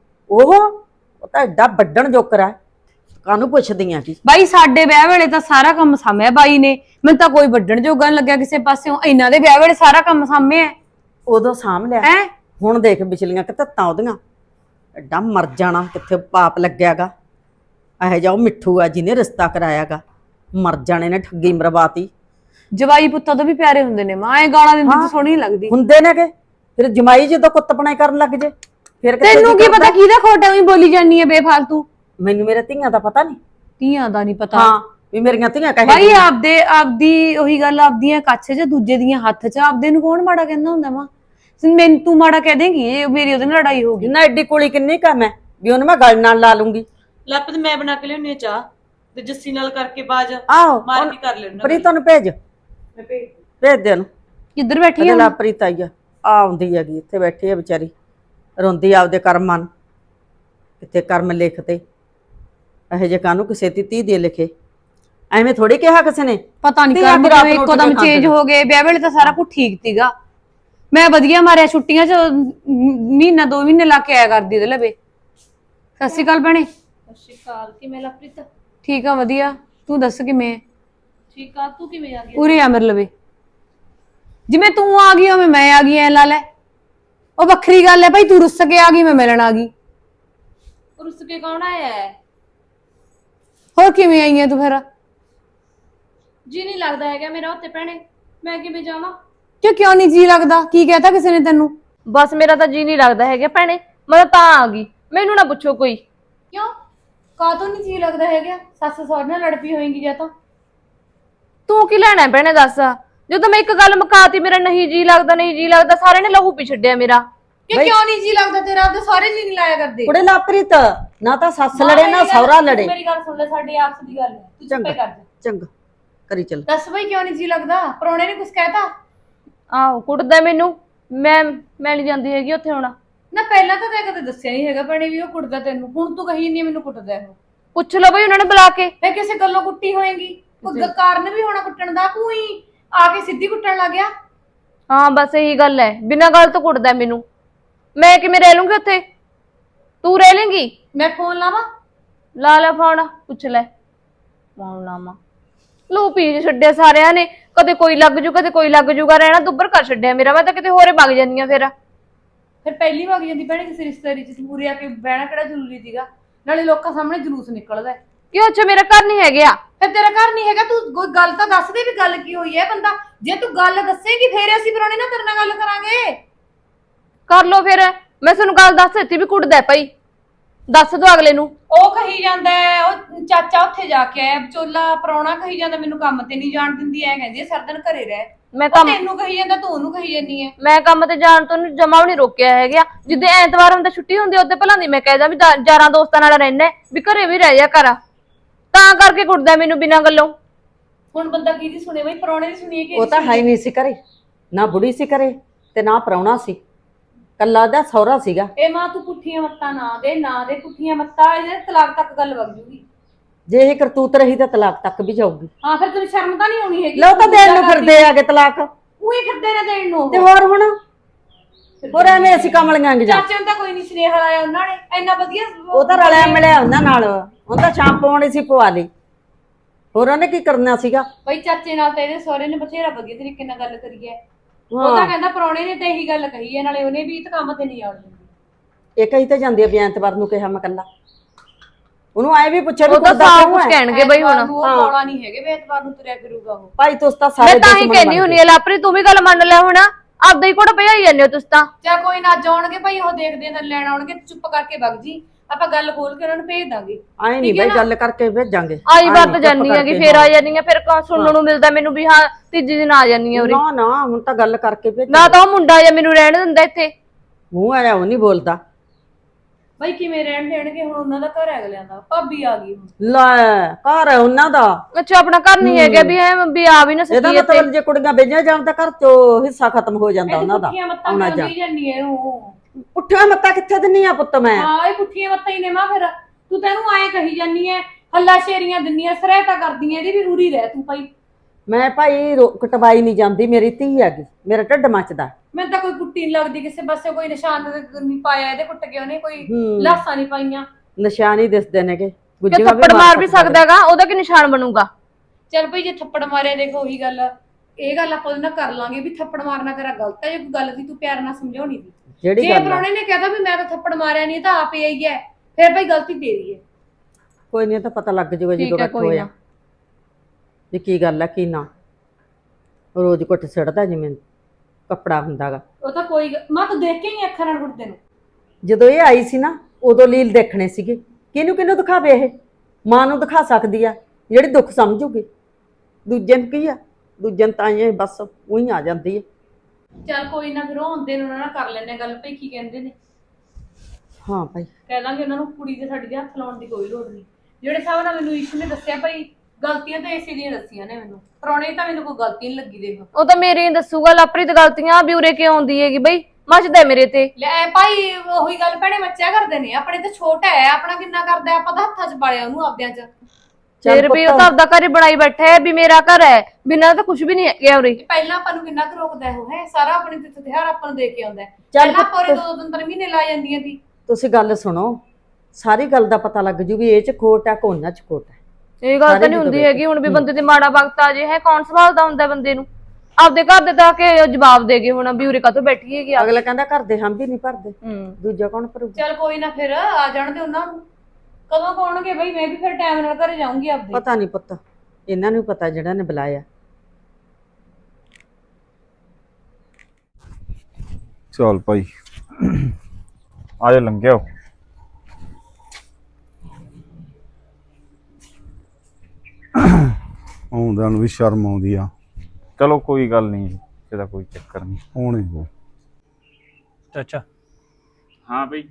ਉਹ ਤਾਂ ਐਡਾ ਵੱਡਣ ਜੋਕਰ ਆ, ਕਾਹਨੂੰ ਪੁੱਛਦੀਆਂ ਕੀ? ਬਾਈ ਸਾਡੇ ਵਿਆਹ ਵੇਲੇ ਤਾਂ ਸਾਰਾ ਕੰਮ ਸਾਂਭਿਆ ਬਾਈ ਨੇ। ਮੈਨੂੰ ਤਾਂ ਕੋਈ ਵੱਡਣ ਜੋਗਾ ਨੀ ਲੱਗਿਆ ਕਿਸੇ ਪਾਸਿਓਂ। ਇਹਨਾਂ ਦੇ ਵਿਆਹ ਵੇਲੇ ਸਾਰਾ ਕੰਮ ਸਾਂਭਿਆ ਉਦੋਂ ਸਾਂਭ ਲਿਆ। ਹੈ। ਹੁਣ ਦੇਖ ਵਿਚਲੀਆਂ ਕਿਤਤਾਂ ਉਹਦੀਆਂ। ਐਡਾ ਮਰ ਜਾਣਾ, ਕਿੱਥੇ ਪਾਪ ਲੱਗਿਆਗਾ। ਇਹੋ ਜਿਹਾ ਉਹ ਮਿੱਠੂ ਆ ਜਿਹਨੇ ਰਿਸ਼ਤਾ ਕਰਾਇਆਗਾ। ਮਰ ਜਾਣੇ ਨੇ ਠੱਗੀ ਮਰਵਾਤੀ। ਜਵਾਈ ਪੁੱਤਾਂ ਤੋਂ ਵੀ ਪਿਆਰੇ ਹੁੰਦੇ ਨੇ ਮਾਂ। ਐ ਗਾਲਾਂ ਦਿੰਦੀ ਤਾਂ ਸੋਹਣੀ ਨੀ ਲੱਗਦੀ। ਹੁੰਦੇ ਨੇਗੇ। ਫਿਰ ਜਮਾਈ ਜਦੋਂ ਕੁੱਤਪਣਾਈ ਕਰਨ ਲੱਗ ਜੇ ਫਿਰ ਕਿੱਥੇ ਤੈਨੂੰ ਜੀ ਕੀ ਕਰਦਾ? ਪਤਾ ਕਿਹਦਾ ਖੋਟਾ ਉਹੀ ਬੋਲੀ ਜਾਨੀ ਹੈ ਬੇਫਾਲਤੂ। ਮੈਨੂੰ ਮੇਰੇ ਧੀਆਂ ਦਾ ਪਤਾ ਨਹੀਂ। ਧੀਆਂ ਦਾ ਨਹੀਂ ਪਤਾ। ਹਾਂ ਵੀ ਮੇਰੀਆਂ ਧੀਆਂ ਕਹੇ ਭਾਈ ਆਪਦੀ ਉਹੀ ਗੱਲ ਆਪਦੀਆਂ ਕੱਛ 'ਚ ਦੂਜੇ ਦੀਆਂ ਹੱਥ 'ਚ। ਆਪਦੇ ਨੂੰ ਕੌਣ ਮਾੜਾ ਕਹਿੰਦਾ ਹੁੰਦਾ ਵਾ? ਮੈਨੂੰ ਤੂੰ ਮਾੜਾ ਕਹਿ ਦੇਂਗੀ ਇਹ ਮੇਰੀ ਉਹਦੇ ਨਾਲ ਲੜਾਈ ਹੋ ਗਈ। ਨਾ ਐਡੀ ਕੁੜੀ ਕਿੰਨੀ ਕੰਮ ਹੈ ਵੀ ਉਹਨੂੰ ਮੈਂ ਗੱਲ ਨਾਲ ਲਾ ਲੂੰਗੀ। ਲੱਪ ਤੇ ਮੈਂ ਬਣਾ ਕੇ ਲਿਆਉਣੀ ਆ ਚਾਹ, ਤੇ ਜੱਸੀ ਨਾਲ ਕਰਕੇ ਬਾਜ ਆਹੋ ਮਾਰ ਕੇ ਕਰ ਲੈਣਾ। ਪ੍ਰੀਤ ਨੂੰ ਭੇਜ, ਭੇਜ ਦੇ ਉਹਨੂੰ। ਕਿੱਧਰ ਬੈਠੀ ਇਹਦੇ ਆ? ਨਾਲ ਪ੍ਰੀਤ ਆਈ ਆ, ਆਉਂਦੀ ਹੈਗੀ ਇੱਥੇ ਬੈਠੀ ਆ ਵਿਚਾਰੀ, ਰੋਂਦੀ ਆਪਦੇ ਕਰਮਾਂ ਨੂੰ। ਕਿੱਥੇ ਕਰਮ ਲਿਖਤੇ ਇਹੋ ਜਿਹੇ ਕਾਹਨੂੰ ਕਿਸੇ ਦੀ ਧੀ ਦੇ ਲਿਖੇ। ਐਵੇਂ ਥੋੜੀ ਕਿਹਾ ਕਿਸੇ ਨੇ। ਪਤਾ ਨਹੀਂ ਧੀਆਂ ਕਰਮ ਵੀ ਰਾਤ ਕਿਵੇਂ ਨੂੰ ਉੱਠ ਇੱਕੋ ਦਮ ਕੇ ਚੇਂਜ ਖਾਂਦੇ ਹੋ ਗਏ। ਵਿਆਹ ਵੇਲੇ ਤਾਂ ਸਾਰਾ ਕੁਝ ਠੀਕ ਸੀਗਾ। ਮੈਂ ਵਧੀਆ ਮਾਰਿਆ ਛੁੱਟੀਆਂ 'ਚ ਮਹੀਨਾ 2 ਮਹੀਨੇ ਲਾ ਕੇ ਆਇਆ ਕਰਦੀ ਉਹਦੇ ਲਵੇ। ਸਤਿ ਸ਼੍ਰੀ ਅਕਾਲ ਭੈਣੇ। ਸਤਿ ਸ਼੍ਰੀ ਅਕਾਲ। ਕਿਵੇਂ ਲਵਪ੍ਰੀਤ? ਠੀਕ ਆ ਵਧੀਆ, ਤੂੰ ਦੱਸ ਕਿਵੇਂ? ਠੀਕ ਆ। ਤੂੰ ਕਿਵੇਂ ਆ ਗਈ? ਉਰੇ ਆ ਮੇਰੇ ਲਵੇ। ਜਿਵੇਂ ਤੂੰ ਆ ਗਈ ਉਵੇਂ ਮੈਂ ਆ ਗਈ। ਐ ਲਾ ਲੈ, ਉਹ ਵੱਖਰੀ ਗੱਲ ਹੈ ਭਾਈ। ਤੂੰ ਰੁੱਸ ਕੇ ਆ ਗਈ, ਮੈਂ ਮਿਲਣ ਆ ਗਈ। ਰੁੱਸ ਕੇ ਕੌਣ ਆਇਆ ਹੈ? ਹੋਰ ਕਿਵੇਂ ਆਈ ਐ ਤੂੰ ਫਿਰ? ਜੀ ਨਹੀਂ ਲੱਗਦਾ ਹੈਗਾ ਮੇਰਾ ਉੱਤੇ ਭੈਣੇ। ਮੈਂ ਕਿਵੇਂ ਜਾਵਾਂ? ਕਿਉਂ ਨਹੀਂ ਜੀ ਲੱਗਦਾ? ਕੀ ਕਹਿਤਾ ਕਿਸੇ ਨੇ ਤੈਨੂੰ? ਬਸ ਮੇਰਾ ਤਾਂ ਜੀ ਨਹੀਂ ਲੱਗਦਾ ਹੈਗਾ ਭੈਣੇ। ਮੈਂ ਤਾਂ ਆ ਗਈ, ਮੈਨੂੰ ਨਾ ਪੁੱਛੋ ਕੋਈ। ਕਿਉਂ? ਕਾਹਤੋਂ ਨਹੀਂ ਜੀ ਲੱਗਦਾ ਹੈਗਾ? ਸੱਸ ਸਹੁਰੇ ਨਾਲ ਲੜ ਪਈ ਹੋਏਗੀ ਜਾਂ ਤਾਂ? ਤੂੰ ਕੀ ਲੈਣਾ ਭੈਣੇ ਦੱਸ। ਜਦੋਂ ਮੈਂ ਇੱਕ ਗੱਲ ਮੁਕਾਤੀ ਮੇਰਾ ਨਹੀਂ ਜੀ ਲੱਗਦਾ, ਨਹੀਂ ਜੀ ਲੱਗਦਾ, ਸਾਰੇ ਨੇ ਲਹੂ ਪੀ ਛੱਡਿਆ ਮੇਰਾ। ਕਿਉਂ ਨਹੀਂ ਜੀ ਲੱਗਦਾ ਤੇਰਾ? ਆਪਦੇ ਸਾਰੇ ਜੀ ਨਹੀਂ ਲਾਇਆ ਕਰਦੇ। ਕੁੜੇ ਲਾਪ੍ਰੀਤ, ਨਾ ਤਾਂ ਸੱਸ ਲੜੇ ਨਾ ਸਹੁਰਾ ਲੜੇ। ਮੇਰੀ ਗੱਲ ਸੁਣ ਲੈ, ਸਾਡੇ ਆਪਸ ਦੀ ਗੱਲ ਹੈ। ਤੂੰ ਚੁੱਪੇ ਕਰ ਜਾ। ਚੰਗਾ ਕਰੀ ਚੱਲ। ਦੱਸ ਬਈ ਕਿਉਂ ਨਹੀਂ ਜੀ ਲੱਗਦਾ? ਪ੍ਰਾਹੁਣੇ ਨੇ ਕੁਝ ਕਹਿਤਾ? ਆਹੋ ਕੁੱਟਦਾ ਮੈਨੂੰ। ਮੈਂ ਨਹੀਂ ਜਾਂਦੀ ਹੈਗੀ ਉੱਥੇ ਹੁਣ। ਨਾ ਪਹਿਲਾਂ ਤਾਂ ਕਦੇ ਦੱਸਿਆ ਨਹੀਂ ਹੈਗਾ ਭੈਣੇ ਵੀ ਉਹ ਕੁੱਟਦਾ ਤੈਨੂੰ। ਹੁਣ ਤੂੰ ਕਹੀ ਨਹੀਂ ਮੈਨੂੰ ਕੁੱਟਦਾ ਉਹ। ਪੁੱਛ ਲਓ ਬਈ ਉਹਨਾਂ ਨੇ ਬੁਲਾ ਕੇ। ਫੇ ਕਿਸੇ ਗੱਲੋਂ ਕੁੱਟੀ ਹੋਏਗੀ? ਕੋਈ ਕਾਰਨ ਵੀ ਹੋਣਾ ਕੁੱਟਣ ਦਾ, ਕੋਈ ਆ ਕੇ ਸਿੱਧੀ ਕੁੱਟਣ ਲੱਗ ਗਿਆ। ਹਾਂ ਬਸ ਇਹੀ ਗੱਲ ਹੈ, ਬਿਨਾਂ ਗੱਲ ਤੋਂ ਕੁੱਟਦਾ ਮੈਨੂੰ। ਮੈਂ ਕਿਵੇਂ ਰਹਿ ਲੂੰਗੀ ਉੱਥੇ, ਤੂੰ ਰਹਿ ਲੇਂਗੀ? ਮੈਂ ਫੋਨ ਲਾਵਾਂ? ਲਾ ਲੈ ਫੋਨ, ਪੁੱਛ ਲੈ। ਫੋਨ ਲਾਵਾਂ? ਲੂ ਪੀ ਛੱਡਿਆ ਸਾਰਿਆਂ ਨੇ, ਕਦੇ ਕੋਈ ਲੱਗ ਜੂ ਕਦੇ ਕੋਈ ਲੱਗ ਜੂਗਾ, ਰਹਿਣਾ ਦੁੱਬਰ ਕਰ ਛੱਡਿਆ ਮੇਰਾ। ਮੈਂ ਤਾਂ ਕਿਤੇ ਹੋਰੇ ਵਗ ਜਾਂਦੀ ਆ ਫਿਰ ਪਹਿਲੀ ਵਗ ਜਾਂਦੀ ਭੈਣੇ ਕਿਸੇ ਰਿਸ਼ਤੇਦਾਰੀ ਚ, ਪੂਰੀ ਆ ਕੇ ਬਹਿਣਾ ਕਿਹੜਾ ਜ਼ਰੂਰੀ ਸੀਗਾ? ਨਾਲੇ ਲੋਕਾਂ ਸਾਹਮਣੇ ਜਲੂਸ ਨਿਕਲਦਾ ਹੈ। ਕਿਉਂ? ਅੱਛਾ ਮੇਰਾ ਘਰ ਨਹੀਂ ਹੈਗਾ? ਫਿਰ ਤੇਰਾ ਘਰ ਨਹੀਂ ਹੈਗਾ, ਤੂੰ ਕੋਈ ਗੱਲ ਤਾਂ ਦੱਸ ਦੇ ਵੀ ਗੱਲ ਕੀ ਹੋਈ ਹੈ ਬੰਦਾ। ਜੇ ਤੂੰ ਗੱਲ ਦੱਸੇਗੀ ਫੇਰ ਅਸੀਂ ਪਰੌਣੇ ਨਾਲ ਤੇਰੇ ਨਾਲ ਗੱਲ ਕਰਾਂਗੇ। ਕਰ ਲੋ ਫਿਰ, ਮੈਂ ਤੁਹਾਨੂੰ ਗੱਲ ਦੱਸ ਦਿੱਤੀ ਵੀ ਕੁੱਟਦਾ ਭਾਈ, ਦੱਸ ਦੋ ਅਗਲੇ ਨੂੰ। ਉਹ ਕਹੀ ਜਾਂਦਾ ਹੈ, ਉਹ ਚਾਚਾ ਉੱਥੇ ਜਾ ਕੇ ਆਇਆ ਵਿਚੋਲਾ ਪਰੌਣਾ, ਕਹੀ ਜਾਂਦਾ ਮੈਨੂੰ ਕੰਮ ਤੇ ਨਹੀਂ ਜਾਣ ਦਿੰਦੀ, ਐ ਕਹਿੰਦੀ ਹੈ ਸਰਦਨ ਘਰੇ ਰਹਿ। ਮੈਂ ਉਹ ਕੰਮ ਤੈਨੂੰ ਕਹੀ ਜਾਂਦਾ, ਤੂੰ ਉਹਨੂੰ ਕਹੀ ਜਾਂਦੀ ਹੈ। ਮੈਂ ਕੰਮ ਤੇ ਜਾਣ ਤੋਂ ਜਮਾ ਵੀ ਨਹੀਂ ਰੋਕਿਆ ਹੈਗਾ। ਜਿੱਦੇ ਐਤਵਾਰ ਹੁੰਦਾ ਛੁੱਟੀ ਹੁੰਦੀ ਉਹਦੇ ਭਲਾਂ ਦੀ ਮੈਂ ਕਹਿਦਾ ਵੀ ਯਾਰਾਂ ਦੋਸਤਾਂ ਨਾਲ ਰਹਿਣਾ ਵੀ ਘਰੇ ਵੀ ਰਹਿ ਜਾ ਕਰ, ਤਾਂ ਕਰਕੇ ਕੁੱਟਦਾ ਮੈਨੂੰ ਬਿਨਾਂ ਗੱਲੋਂ। ਹੁਣ ਬੰਦਾ ਕਿਹਦੀ ਸੁਣੇ ਬਈ, ਪਰੌਣੇ ਦੀ ਸੁਣੀਏ ਕਿ ਉਹ ਤਾਂ ਹੈ ਹੀ ਨਹੀਂ ਸੀ ਘਰੇ, ਨਾ ਬੁੜੀ ਸੀ ਘਰੇ ਤੇ ਨਾ ਪ੍ਰਾਹੁਣਾ ਸੀ, ਕੱਲਾ ਦਾ ਸਹੁਰਾ ਸੀਗਾ। ਇਹ ਮਾਂ ਤੂੰ ਪੁੱਠੀਆਂ ਮੱਤਾਂ ਨਾ ਦੇ ਪੁੱਠੀਆਂ ਮੱਤਾਂ, ਇਹਦੇ ਤਲਾਕ ਤੱਕ ਗੱਲ ਵਗ ਜੂਗੀ। ਜੇ ਇਹ ਕਰਤੂਤ ਰਹੀ ਤਾਂ ਤਲਾਕ ਤੱਕ ਵੀ ਜਾਊਗੀ। ਹਾਂ ਫਿਰ ਤੈਨੂੰ ਸ਼ਰਮ ਤਾਂ ਨਹੀਂ ਆਉਣੀ ਹੈਗੀ? ਲੋ ਤਾਂ ਦੇਣ ਨੂੰ ਫਿਰਦੇ ਆਗੇ ਤਲਾਕ, ਉਹੀ ਫਿਰਦੇ ਨੇ ਦੇਣ ਨੂੰ। ਤੇ ਹੋਰ ਐਵੇਂ ਅਸੀਂ ਕਮਲੀਆਂ ਗੇ ਜਾ। ਚਾਚੇ ਨੂੰ ਤਾਂ ਕੋਈ ਨਹੀਂ ਸੁਨੇਹਾ ਲਾਇਆ ਉਹਨਾਂ ਨੇ, ਇੰਨਾ ਵਧੀਆ ਉਹ ਤਾਂ ਰਲਿਆ ਮਿਲਿਆ ਉਹਨਾਂ ਨਾਲ, ਉਹ ਤਾਂ ਸ਼ਾਮ ਪਵਾਉਣੀ ਸੀ ਪਵਾ ਲਈ, ਹੋਰ ਉਹਨੇ ਕੀ ਕਰਨਾ ਸੀਗਾ। ਬਈ ਚਾਚੇ ਨਾਲ ਤਾਂ ਇਹਦੇ ਸਹੁਰੇ ਨੇ ਬਥੇਰਾ ਵਧੀਆ ਤਰੀਕੇ ਨਾਲ ਗੱਲ ਕਰੀ ਹੈ। ਉਹ ਤਾਂ ਕਹਿੰਦਾ ਪਰੌਣੇ ਨੇ ਤਾਂ ਇਹੀ ਗੱਲ ਕਹੀ ਹੈ, ਨਾਲੇ ਉਹਨੇ ਵੀ ਤਾਂ ਕੰਮ ਤੇ ਨਹੀਂ ਆਉਣ ਦਿੰਦੀ। ਇਹ ਕਹੀ ਤਾਂ ਜਾਂਦੀ ਆ ਵੀ ਐਤਵਾਰ ਨੂੰ ਕਿਹਾ ਮੈਂ ਕੱਲਾ, ਉਹਨੂੰ ਐ ਵੀ ਪੁੱਛਿਆ ਵੀ ਉਹ ਤਾਂ ਕੁੜਦਾ ਸਾਰਾ ਕਿਉਂ ਕੁਝ ਹੈ? ਕਹਿਣਗੇ ਬਈ ਹੁਣ। ਉਹ ਬੋਲਾ ਨਹੀਂ ਹੈਗੇ ਵੀ ਐਤਵਾਰ ਨੂੰ ਤੁਰਿਆ ਫਿਰੂਗਾ ਉਹ। ਭਾਈ ਤੁਸੀਂ ਤਾਂ ਮੈਂ ਸਾਰੇ ਤਾਂ ਹੀ ਦੁਸ਼ਮਣ ਕਹਿੰਦੀ ਬਣ ਹੁੰਨੀ ਗਏ। ਆ ਲਾਪਰੀ, ਤੂੰ ਵੀ ਗੱਲ ਮੰਨ ਲੈ ਹੁਣ, ਆਪਦਾ ਹੀ ਘੋੜਾ ਭਜਾਈ ਜਾਂਦੇ ਹੋ ਤੁਸੀਂ ਤਾਂ। ਚਾ ਕੋਈ ਨਾ ਜਾਣਗੇ ਭਾਈ, ਉਹ ਦੇਖਦੇ ਨੇ ਲੈਣ ਆਉਣਗੇ, ਚੁੱਪ ਕਰਕੇ ਵਗ ਜੀ, ਆਪਾਂ ਗੱਲ ਖੋਲ ਕੇ ਉਹਨਾਂ ਨੂੰ ਭੇਜ ਦਾਂਗੇ। ਆਏ ਨਹੀਂ ਬਈ ਗੱਲ ਕਰਕੇ ਭੇਜਾਂਗੇ। ਆਈ ਵਰਤ ਜਾਨੀ ਹੈਗੀ, ਫੇਰ ਆ ਜਾਨੀ ਆ, ਫਿਰ ਸੁਣਨ ਨੂੰ ਮਿਲਦਾ ਮੈਨੂੰ ਵੀ ਹਾਂ ਤੀਜੇ ਦਿਨ ਆ ਜਾਨੀ ਆ ਉਰੇ। ਨਾ ਨਾ ਹੁਣ ਤਾਂ ਗੱਲ ਕਰਕੇ ਭੇਜ। ਨਾ ਤਾਂ ਉਹ ਮੁੰਡਾ ਜਾਂ ਮੈਨੂੰ ਰਹਿਣ ਦਿੰਦਾ ਇੱਥੇ। ਮੂੰਹ ਆਇਆ ਉਹ ਨਹੀਂ ਬੋਲਦਾ। ਭਾਈ ਕਿਵੇਂ ਰਹਿਣ ਦੇਣਗੇ, ਹੁਣ ਉਹਨਾਂ ਦਾ ਘਰ ਅਗਲਿਆਂ ਦਾ, ਭਾਬੀ ਆ ਗਈ ਹੁਣ। ਲੈ ਘਰ ਹੈ ਉਹਨਾਂ ਦਾ। ਅੱਛਾ ਆਪਣਾ ਘਰ ਨਹੀਂ ਹੈਗਾ ਵੀ ਐ ਵੀ ਆ ਵੀ ਨਾ ਇਹਦਾ ਸਕੀ ਇੱਥੇ। ਮਤਲਬ ਜੇ ਕੁੜੀਆਂ ਵੇਜੀਆਂ ਜਾਣ ਤਾਂ ਘਰ ਚੋਂ ਹਿੱਸਾ ਖਤਮ ਹੋ ਜਾਂਦਾ ਉਹਨਾਂ ਦਾ। ਪੁੱਠੀਆਂ ਮੱਤਾਂ ਆਉਣਾ ਕਰਦੀ ਜਾਂਦੀ ਐ ਉਹ। ਪੁੱਠੀਆਂ ਮੱਤਾਂ ਕਿੱਥੇ ਦਿੰਨੀ ਆ ਪੁੱਤ ਮੈਂ? ਹਾਂ ਇਹ ਪੁੱਠੀਆਂ ਮੱਤਾਂ ਹੀ ਨੇ ਮਾਂ, ਫਿਰ ਤੂੰ ਤੈਨੂੰ ਆਏ ਕਹੀ ਜਾਂਦੀ ਐ, ਹੱਲਾ ਸ਼ੇਰੀਆਂ ਦਿੰਦੀਆਂ, ਸਰਾਇਤਾ ਕਰਦੀਆਂ, ਇਹਦੀ ਵੀ ਉਰੀ ਰਹਿ ਤੂੰ ਭਾਈ। ਮੈਂ ਭਾਈ ਕਟਵਾਈ ਨਹੀਂ ਜਾਂਦੀ, ਮੇਰੀ ਧੀ ਹੈਗੀ, ਮੇਰਾ ਢਿੱਡ ਮੱਚਦਾ। ਮੈਨੂੰ ਤਾਂ ਕੋਈ ਕੁੱਟੀ ਨਹੀਂ ਲੱਗਦੀ ਕਿਸੇ ਪਾਸੇ, ਕੋਈ ਨਿਸ਼ਾਨ ਨਹੀਂ ਪਾਇਆ ਇਹਦੇ ਕੁੱਟ ਕੇ ਉਹਨੇ, ਕੋਈ ਹੂੰ। ਲਾਸਾਂ ਨਹੀਂ ਪਾਈਆਂ। ਨਿਸ਼ਾਨ ਹੀ ਦਿਸਦੇ ਨੇਗੇ। ਕਿ ਥੱਪੜ ਮਾਰ ਵੀ ਸਕਦਾ ਹੈਗਾ, ਉਹਦਾ ਕੀ ਨਿਸ਼ਾਨ ਬਣੂਗਾ? ਚੱਲ ਭਾਈ ਜੇ ਥੱਪੜ ਮਾਰਿਆ, ਦੇਖੋ ਉਹੀ ਗੱਲ, ਇਹ ਗੱਲ ਆਪਾਂ ਉਹਦੇ ਨਾਲ ਕਰ ਲਾਂਗੇ ਵੀ ਥੱਪੜ ਮਾਰਨਾ ਤੇਰਾ ਗਲਤ ਹੈ। ਜੇ ਕੋਈ ਗੱਲ ਸੀ ਤੂੰ ਪਿਆਰ ਨਾਲ ਸਮਝਾਉਣੀ ਸੀ। ਜਿਹੜੀ ਜੇ ਗੱਲ ਪ੍ਰਾਹੁਣੇ ਨੇ ਕਹਿਤਾ ਵੀ ਮੈਂ ਤਾਂ ਥੱਪੜ ਮਾਰਿਆ ਨਹੀਂ, ਤਾਂ ਆਪੇ ਆਈ ਹੈ, ਫਿਰ ਭਾਈ ਗਲਤੀ ਤੇਰੀ ਹੈ। ਕੋਈ ਨਹੀਂ ਤਾਂ ਪਤਾ ਲੱਗ ਜਾਊਗਾ ਜਦੋਂ ਇਕੱਠ ਹੋਇਆ ਵੀ ਕੀ ਗੱਲ ਹੈ ਕੀ ਨਾ। ਰੋਜ਼ ਕੁੱਟ ਸਿੜਦਾ ਜਿਵੇਂ ਕੱਪੜਾ ਹੁੰਦਾਗਾ। ਉਹ ਤਾਂ ਕੋਈ ਮਾਂ ਤੂੰ ਦੇਖ ਕੇ ਹੀ ਅੱਖਾਂ ਨਾਲ ਕੁੱਟਦੇ ਨੂੰ। ਜਦੋਂ ਇਹ ਆਈ ਸੀ ਨਾ ਉਦੋਂ ਲੀਲ ਦੇਖਣੇ ਸੀਗੇ। ਕਿਹਨੂੰ ਕਿਹਨੂੰ ਦਿਖਾਵੇ ਇਹ? ਮਾਂ ਨੂੰ ਦਿਖਾ ਸਕਦੀ ਆ ਜਿਹੜੀ ਦੁੱਖ ਸਮਝੂਗੀ, ਦੂਜੇ ਨੂੰ ਕੀ ਆ? ਦੂਜੇ ਨੂੰ ਤਾਂ ਇਹ ਬਸ ਉਹੀ ਆ ਜਾਂਦੀ ਹੈ। ਚੱਲ ਕੋਈ ਨਾ, ਫਿਰ ਉਹ ਆਉਂਦੇ ਨੇ ਉਹਨਾਂ ਨਾਲ ਕਰ ਲੈਣੇ ਗੱਲ, ਭਾਈ ਕੀ ਕਹਿੰਦੇ ਨੇ। ਹਾਂ ਭਾਈ ਕਹਿ ਦਾਂਗੇ ਉਹਨਾਂ ਨੂੰ ਕੁੜੀ ਦੇ ਸਾਡੀ ਦੇ ਹੱਥ ਲਾਉਣ ਦੀ ਕੋਈ ਲੋੜ ਨਹੀਂ। ਜਿਹੜੇ ਹਿਸਾਬ ਨਾਲ ਮੈਨੂੰ ਈਸ਼ੂ ਨੇ ਦੱਸਿਆ ਭਾਈ, ਗਲਤੀਆਂ ਤਾਂ ਇਸੇ ਦੀਆਂ ਦੱਸੀਆਂ ਨੇ ਮੈਨੂੰ, ਪ੍ਰਾਹੁਣੇ ਤਾਂ ਮੈਨੂੰ ਕੋਈ ਗਲਤੀ ਨਹੀਂ ਲੱਗੀ। ਦੇਖ ਉਹ ਤਾਂ ਮੇਰੇ ਹੀ ਦੱਸੂਗਾ ਲਾਪਰੀ ਤੇ ਗਲਤੀਆਂ ਵੀ ਉਰੇ ਕਿਉਂ ਆਉਂਦੀ ਹੈਗੀ ਬਈ, ਮੱਚਦਾ ਮੇਰੇ ਤੇ। ਲੈ ਭਾਈ ਉਹੀ ਗੱਲ ਭੈਣੇ, ਮੱਚਿਆ ਕਰਦੇ ਨੇ, ਆਪਣੇ ਤੇ ਛੋਟਾ ਹੈ, ਆਪਣਾ ਕਿੰਨਾ ਕਰਦਾ ਹੈ, ਆਪਾਂ ਤਾਂ ਹੱਥਾਂ 'ਚ ਪਾਲਿਆ ਉਹਨੂੰ ਆਪਦਿਆਂ 'ਚ। ਫਿਰ ਵੀ ਉਹ ਤਾਂ ਆਪਦਾ ਘਰ ਹੀ ਬਣਾਈ ਬੈਠਾ ਹੈ ਵੀ ਮੇਰਾ ਘਰ ਹੈ, ਬਿਨਾਂ ਤਾਂ ਕੁਝ ਵੀ ਨਹੀਂ ਹੈਗਾ ਉਰੇ। ਪਹਿਲਾਂ ਆਪਾਂ ਨੂੰ ਕਿੰਨਾ ਕੁ ਰੋਕਦਾ ਉਹ ਹੈ, ਸਾਰਾ ਆਪਣੇ ਤਿੱਥ ਤਿਉਹਾਰ ਆਪਾਂ ਨੂੰ ਦੇ ਕੇ ਆਉਂਦਾ। ਚੱਲ ਪਹਿਲਾਂ ਪੂਰੇ 2-3 ਮਹੀਨੇ ਲਾ ਜਾਂਦੀਆਂ ਸੀ। ਤੁਸੀਂ ਗੱਲ ਸੁਣੋ, ਸਾਰੀ ਗੱਲ ਦਾ ਪਤਾ ਲੱਗ ਜੂ ਵੀ ਇਹ 'ਚ ਖੋਟ ਹੈ ਕੋਨਾ 'ਚ ਖੋਟ ਹੈ। ਇਹ ਗੱਲ ਤਾਂ ਨਹੀਂ ਹੁੰਦੀ ਹੈਗੀ ਹੁਣ ਵੀ ਬੰਦੇ ਤੇ ਮਾੜਾ ਵਕਤ ਆ ਜੇ ਹੈ, ਕੌਣ ਸੰਭਾਲਦਾ ਹੁੰਦਾ ਬੰਦੇ ਨੂੰ? ਆਪਦੇ ਘਰ ਦੇ ਤਾਂ ਕਿ ਜਵਾਬ ਦੇ ਗਏ ਹੁਣ ਵੀ ਉਰੇ ਕਾਹਤੋਂ ਬੈਠੀ ਹੈਗੀ। ਅਗਲਾ ਕਹਿੰਦਾ ਘਰ ਦੇ ਹਮ ਵੀ ਨਹੀਂ ਭਰਦੇ, ਦੂਜਾ ਕੌਣ ਭਰੂ? ਚੱਲ ਕੋਈ ਨਾ, ਫਿਰ ਆ ਜਾਣ ਦੇ ਉਹਨਾਂ ਨੂੰ। ਕਦੋਂ ਕੌਣਗੇ ਬਈ? ਮੈਂ ਵੀ ਫਿਰ ਟਾਈਮ ਨਾਲ ਘਰੇ ਜਾਊਂਗੀ ਆਪਦੇ। ਪਤਾ ਨਹੀਂ ਪੁੱਤ, ਇਹਨਾਂ ਨੂੰ ਪਤਾ ਜਿਹੜਾ ਨੇ ਬੁਲਾਇਆ। ਚੱਲ ਭਾਈ ਆ ਜਾ ਲੰਘਿਆ। ਆਉਂਦਿਆਂ ਨੂੰ ਵੀ ਸ਼ਰਮ ਆਉਂਦੀ ਆ। ਚਲੋ ਕੋਈ ਗੱਲ ਨਹੀਂ, ਇਹਦਾ ਕੋਈ ਚੱਕਰ ਨਹੀਂ। ਹੋਣੇ ਉਹ ਚਾਚਾ ਹਾਂ ਬਈ।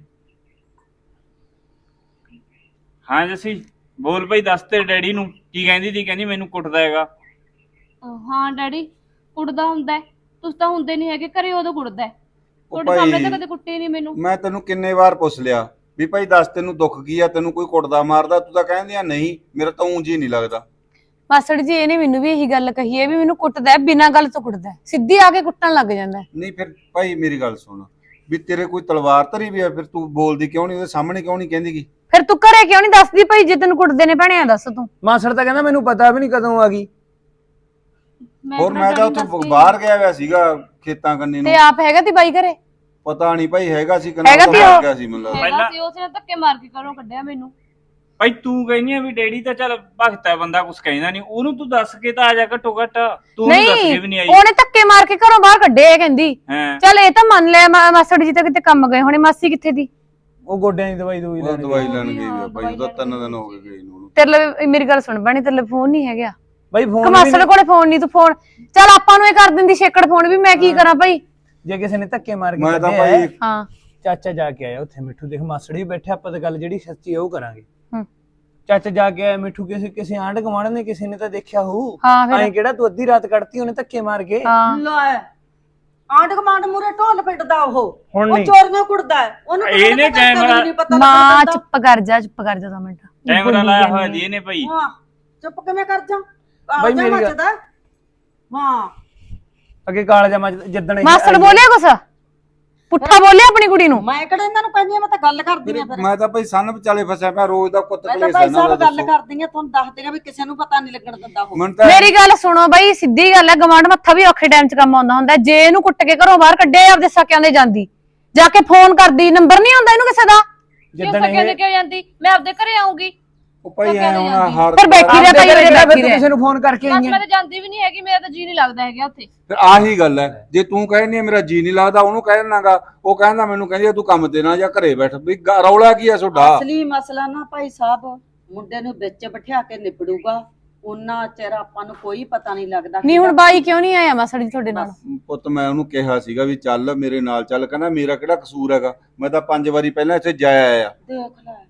ਹਾਂ ਜੱਸੀ ਬੋਲ ਬਈ, ਦੱਸ ਤੇ ਡੈਡੀ ਨੂੰ ਕੀ ਕਹਿੰਦੀ ਤੀ? ਕਹਿੰਦੀ ਮੈਨੂੰ ਕੁੱਟਦਾ ਹੈਗਾ। ਹਾਂ ਡੈਡੀ ਕੁੱਟਦਾ ਹੁੰਦਾ, ਤੁਸੀਂ ਤਾਂ ਹੁੰਦੇ ਨਹੀਂ ਹੈਗੇ ਘਰੇ, ਉਦੋਂ ਕੁੱਟਦਾ। ਉਹ ਤੁਹਾਡੇ ਸਾਹਮਣੇ ਤਾਂ ਭਾਈ ਕਦੇ ਕੁੱਟੇ ਨਹੀਂ ਮੈਨੂੰ। ਮੈਂ ਤੈਨੂੰ ਕਿੰਨੇ ਵਾਰ ਪੁੱਛ ਲਿਆ ਵੀ ਭਾਈ ਦੱਸ ਤੈਨੂੰ ਦੁੱਖ ਕੀ ਆ, ਤੈਨੂੰ ਕੋਈ ਕੁੱਟਦਾ ਮਾਰਦਾ? ਤੂੰ ਤਾਂ ਕਹਿੰਦੀ ਆ ਨਹੀਂ, ਮੇਰਾ ਤਾਂ ਉਂਝ ਹੀ ਨਹੀਂ ਲੱਗਦਾ। ਮਾਸੜ ਜੀ ਇਹਨੇ ਮੈਨੂੰ ਵੀ ਇਹੀ ਗੱਲ ਕਹੀ ਹੈ ਵੀ ਮੈਨੂੰ ਕੁੱਟਦਾ ਹੈ, ਬਿਨਾਂ ਗੱਲ ਤੋਂ ਕੁੱਟਦਾ ਹੈ, ਸਿੱਧੀ ਆ ਕੇ ਕੁੱਟਣ ਲੱਗ ਜਾਂਦਾ ਹੈ। ਨਹੀਂ ਫਿਰ ਭਾਈ ਮੇਰੀ ਗੱਲ ਸੁਣ, ਵੀ ਤੇਰੇ ਕੋਈ ਤਲਵਾਰ ਧਰੀ ਵੀ ਆ, ਫਿਰ ਤੂੰ ਬੋਲਦੀ ਕਿਉਂ ਨਹੀਂ, ਉਹਦੇ ਸਾਹਮਣੇ ਕਿਉਂ ਨਹੀਂ ਕਹਿੰਦੀਗੀ? ਫਿਰ ਤੂੰ ਘਰੇ ਕਿਉਂ ਨਹੀਂ ਦੱਸਦੀ ਭਾਈ ਜੇ ਤੈਨੂੰ ਕੁੱਟਦੇ ਨੇ ਭੈਣਿਆ ਦੱਸ ਤੂੰ। ਮਾਸੜ ਤਾਂ ਕਹਿੰਦਾ ਮੈਨੂੰ ਪਤਾ ਵੀ ਨਹੀਂ ਕਦੋਂ ਆ ਗਈ। ਹੋਰ ਮੈਂ ਤਾਂ ਉੱਥੋਂ ਬਾਹਰ ਗਿਆ ਹੋਇਆ ਸੀਗਾ ਖੇਤਾਂ ਕੰਨੀ ਨੂੰ, ਤੇ ਆਪ ਹੈਗਾ ਤੀ ਬਾਈ ਘਰੇ? ਪਤਾ ਨਹੀਂ ਭਾਈ ਹੈਗਾ ਸੀ ਹੈਗਾ ਸੀ ਉਹ? ਗਿਆ ਸੀ ਮੈਨੂੰ ਲੱਗਦਾ। ਹੈਗਾ ਸੀ, ਉਸਨੇ ਧੱਕੇ ਮਾਰ ਕੇ ਘਰੋਂ ਕੱਢਿਆ ਮੈਨੂੰ। ਭਾਈ ਤੂੰ ਕਹਿੰਦੀ ਆ ਵੀ ਡੈਡੀ ਤਾਂ ਚੱਲ ਭਗਤ ਹੈ, ਬੰਦਾ ਕੁਝ ਕਹਿੰਦਾ ਨਹੀਂ, ਉਹਨੂੰ ਤੂੰ ਦੱਸ ਕੇ ਤਾਂ ਆ ਜਾ ਘੱਟੋ ਘੱਟ, ਤੂੰ ਉਹਨੂੰ ਦੱਸ ਕੇ ਵੀ ਨਹੀਂ ਆਈ। ਉਹਨੇ ਧੱਕੇ ਮਾਰ ਕੇ ਘਰੋਂ ਬਾਹਰ ਕੱਢੇ ਇਹ ਕਹਿੰਦੀ। ਹਾਂ ਚੱਲ ਇਹ ਤਾਂ ਮੰਨ ਲਿਆ ਮਾਸੜ ਜੀ ਤਾਂ ਕਿਤੇ ਕੰਮ ਗਏ ਹੋਣੇ, ਮਾਸੀ ਕਿੱਥੇ ਦੀ? ਉਹ ਗੋਡਿਆਂ ਦੀ ਦਵਾਈ ਉਹ ਲੈਣ ਦਵਾਈ ਲੈਣ ਗਈ ਹੋਈ ਆ ਭਾਈ, ਉਹਦਾ 3 ਦਿਨ ਹੋ ਗਏ ਉਹਨੂੰ। ਤੇਰੇ ਲਈ ਮੇਰੀ ਗੱਲ ਸੁਣ ਬਣੀ, ਤੇਰੇ ਲਈ ਫੋਨ ਨਹੀਂ ਹੈਗਾ? ਬਾਈ ਫੋਨ ਕਮਾਸੜ ਕੋਲੇ ਫੋਨ ਨਹੀਂ, ਤੂੰ ਫੋਨ ਚੱਲ ਆਪਾਂ ਨੂੰ ਇਹ ਕਰ ਦਿੰਦੀ ਛੇਕੜ ਫੋਨ ਵੀ, ਮੈਂ ਕੀ ਕਰਾਂ ਭਾਈ? ਜੇ ਕਿਸੇ ਨੇ ਧੱਕੇ ਮਾਰ ਕੇ ਮੈਂ ਤਾਂ ਕੱਢਿਆ ਭਾਈ ਹਾਂ ਚਾਚਾ ਜਾ ਕੇ ਆਇਆ ਉੱਥੇ, ਮਿੱਠੂ ਦੇਖ ਮਾਸੜ ਵੀ ਬੈਠੇ, ਆਪਾਂ ਤਾਂ ਗੱਲ ਜਿਹੜੀ ਸੱਚੀ ਹੈ ਉਹ ਕਰਾਂਗੇ। ਹੂੰ। ਚਾਚਾ ਜਾ ਕੇ ਆਇਆ, ਮਿੱਠੂ ਕਿਸੇ ਆਂਢ ਗੁਆਂਢ ਨੇ ਕਿਸੇ ਨੇ ਤਾਂ ਦੇਖਿਆ ਹੋਊ। ਹਾਂ ਫਿਰ ਐਂ ਕਿਹੜਾ ਤੂੰ ਅੱਧੀ ਰਾਤ ਕੱਢਤੀ ਉਹਨੇ ਧੱਕੇ ਮਾਰ ਕੇ? ਹਾਂ ਲੈ ਆਂਢ ਕਮਾਂਡ ਮੂਰੇ ਢੋਲ ਪਿੱਟਦਾ ਉਹ ਹੁਣ ਉਹ ਨਹੀਂ। ਚੋਰੀਆਂ ਕੁੱਟਦਾ ਹੈ, ਉਹਨੂੰ ਤਾਂ ਇਹਨੇ ਪਤਾ ਨਹੀਂ ਕੈਮਰਾ- ਪਤਾ ਮਾਂ ਲੱਗਦਾ। ਚੁੱਪ ਕਰ ਜਾ 2 ਮਿੰਟ। ਕੈਮਰਾ ਲਾਇਆ ਹੋਇਆ ਜੀ ਇਹਨੇ ਭਾਈ। ਹਾਂ ਚੁੱਪ ਕਿਵੇਂ ਕਰ ਜਾ? ਬਾਈ ਆ ਜਾ ਮੇਰੀ ਗੱਲ- ਮੱਚਦਾ। ਹਾਂ ਅੱਗੇ ਕਾਲਜਾ ਮਾ ਜਿੱਦਣ ਇਹ ਮਾਸੜ ਆਈ- ਬੋਲਿਆ ਕੁਛ ਪੁੱਠਾ ਬੋਲਿਆ ਆਪਣੀ ਕੁੜੀ ਨੂੰ? ਮੈਂ ਕਿਹੜਾ ਇਹਨਾਂ ਨੂੰ ਕਹਿੰਦੀ ਆ, ਮੈਂ ਤਾਂ ਗੱਲ ਕਰਦੀ ਆ ਫਿਰ। ਮੈਂ ਤਾਂ ਭਾਈ ਸੰਨ ਵਿਚਾਲੇ ਫਸਿਆ ਪਿਆ, ਰੋਜ਼ ਦਾ ਕੁੱਤ ਮੈਂ ਤਾਂ ਕਲੇਸ਼ ਭਾਈ ਇਹਨਾਂ ਦਾ ਸਾਹਿਬ ਗੱਲ ਦੱਸੋ। ਕਰਦੀ ਆ, ਤੁਹਾਨੂੰ ਦੱਸਦੀ ਆ ਵੀ ਕਿਸੇ ਨੂੰ ਪਤਾ ਨਹੀਂ ਲੱਗਣ ਦਿੰਦਾ ਉਹ। ਮੈਨੂੰ ਤਾਂ ਮੇਰੀ ਗੱਲ ਸੁਣੋ ਬਾਈ, ਸਿੱਧੀ ਗੱਲ ਹੈ, ਗਵਾਂਢ ਮੱਥਾ ਵੀ ਔਖੇ ਟਾਈਮ 'ਚ ਕੰਮ ਆਉਂਦਾ ਹੁੰਦਾ। ਜੇ ਇਹਨੂੰ ਕੁੱਟ ਕੇ ਘਰੋਂ ਬਾਹਰ ਕੱਢਿਆ ਆਪਦੇ ਸਕਿਆਂ ਦੇ ਜਾਂਦੀ, ਜਾ ਕੇ ਫੋਨ ਕਰਦੀ, ਨੰਬਰ ਨਹੀਂ ਆਉਂਦਾ ਇਹਨੂੰ ਕਿਸੇ ਦਾ? ਕਿਉਂ ਜਿੱਦਣ ਸਕਿਆ ਤੇ ਇਹ ਕਿਉਂ ਜਾਂਦੀ? ਮੈਂ ਆਪਦੇ ਘਰੇ ਆਉਂਗੀ। ਉਹ ਭਾਈ ਐ ਹੁਣ ਹਰ ਫਿਰ ਬੈਠੀ ਰਹਿ ਭਾਈ, ਆਪਦੇ ਉਹਦੇ ਘਰੇ ਬੈਠੀ ਤੂੰ ਰਹਿ। ਕਿਸੇ ਨੂੰ ਫੋਨ ਕਰਕੇ ਬਸ ਆਈ ਮੈਂ ਹੈ। ਤਾਂ ਜਾਂਦੀ ਵੀ ਨਹੀਂ ਹੈਗੀ, ਮੇਰਾ ਤਾਂ ਜੀ ਨਹੀਂ ਲੱਗਦਾ ਹੈਗਾ ਉੱਥੇ। ਫਿਰ ਆਹੀ ਗੱਲ ਹੈ, ਜੇ ਤੂੰ ਕਹਿੰਦੀ ਮੇਰਾ ਜੀ ਨਹੀਂ ਲੱਗਦਾ, ਉਹਨੂੰ ਕਹਿ ਦੇਣਾਗਾ, ਉਹ ਕਹਿੰਦਾ ਮੈਨੂੰ ਕਹਿੰਦੀ ਤੂੰ ਕੰਮ ਤੇ ਨਾ ਜਾਂ ਘਰੇ ਬੈਠ, ਵੀ ਰੌਲਾ ਕੀ ਹੈ ਤੁਹਾਡਾ? ਅਸਲੀ ਮਸਲਾ ਨਾ ਭਾਈ ਸਾਹਿਬ ਮੁੰਡੇ ਨੂੰ ਵਿੱਚ ਬਿਠਾ ਕੇ ਨਿਬੜੂਗਾ, ਉਹਨਾਂ ਚਿਰ ਆਪਾਂ ਨੂੰ ਕੋਈ ਪਤਾ ਨਹੀਂ ਲੱਗਦਾ। ਨਹੀਂ ਹੁਣ ਬਾਈ ਕਿਉਂ ਨਹੀਂ ਆਇਆ ਮਾਸੜ ਜੀ ਤੁਹਾਡੇ ਨਾਲ? ਪੁੱਤ ਮੈਂ ਉਹਨੂੰ ਕਿਹਾ ਸੀਗਾ ਵੀ ਚੱਲ ਮੇਰੇ ਨਾਲ ਚੱਲ, ਕਹਿੰਦਾ ਮੇਰਾ ਕਿਹੜਾ ਕਸੂਰ ਹੈਗਾ, ਮੈਂ ਤਾਂ 5 ਵਾਰੀ ਪਹਿਲਾਂ ਇੱਥੇ ਜਾਇਆ ਆ। ਦੇਖ ਲੈ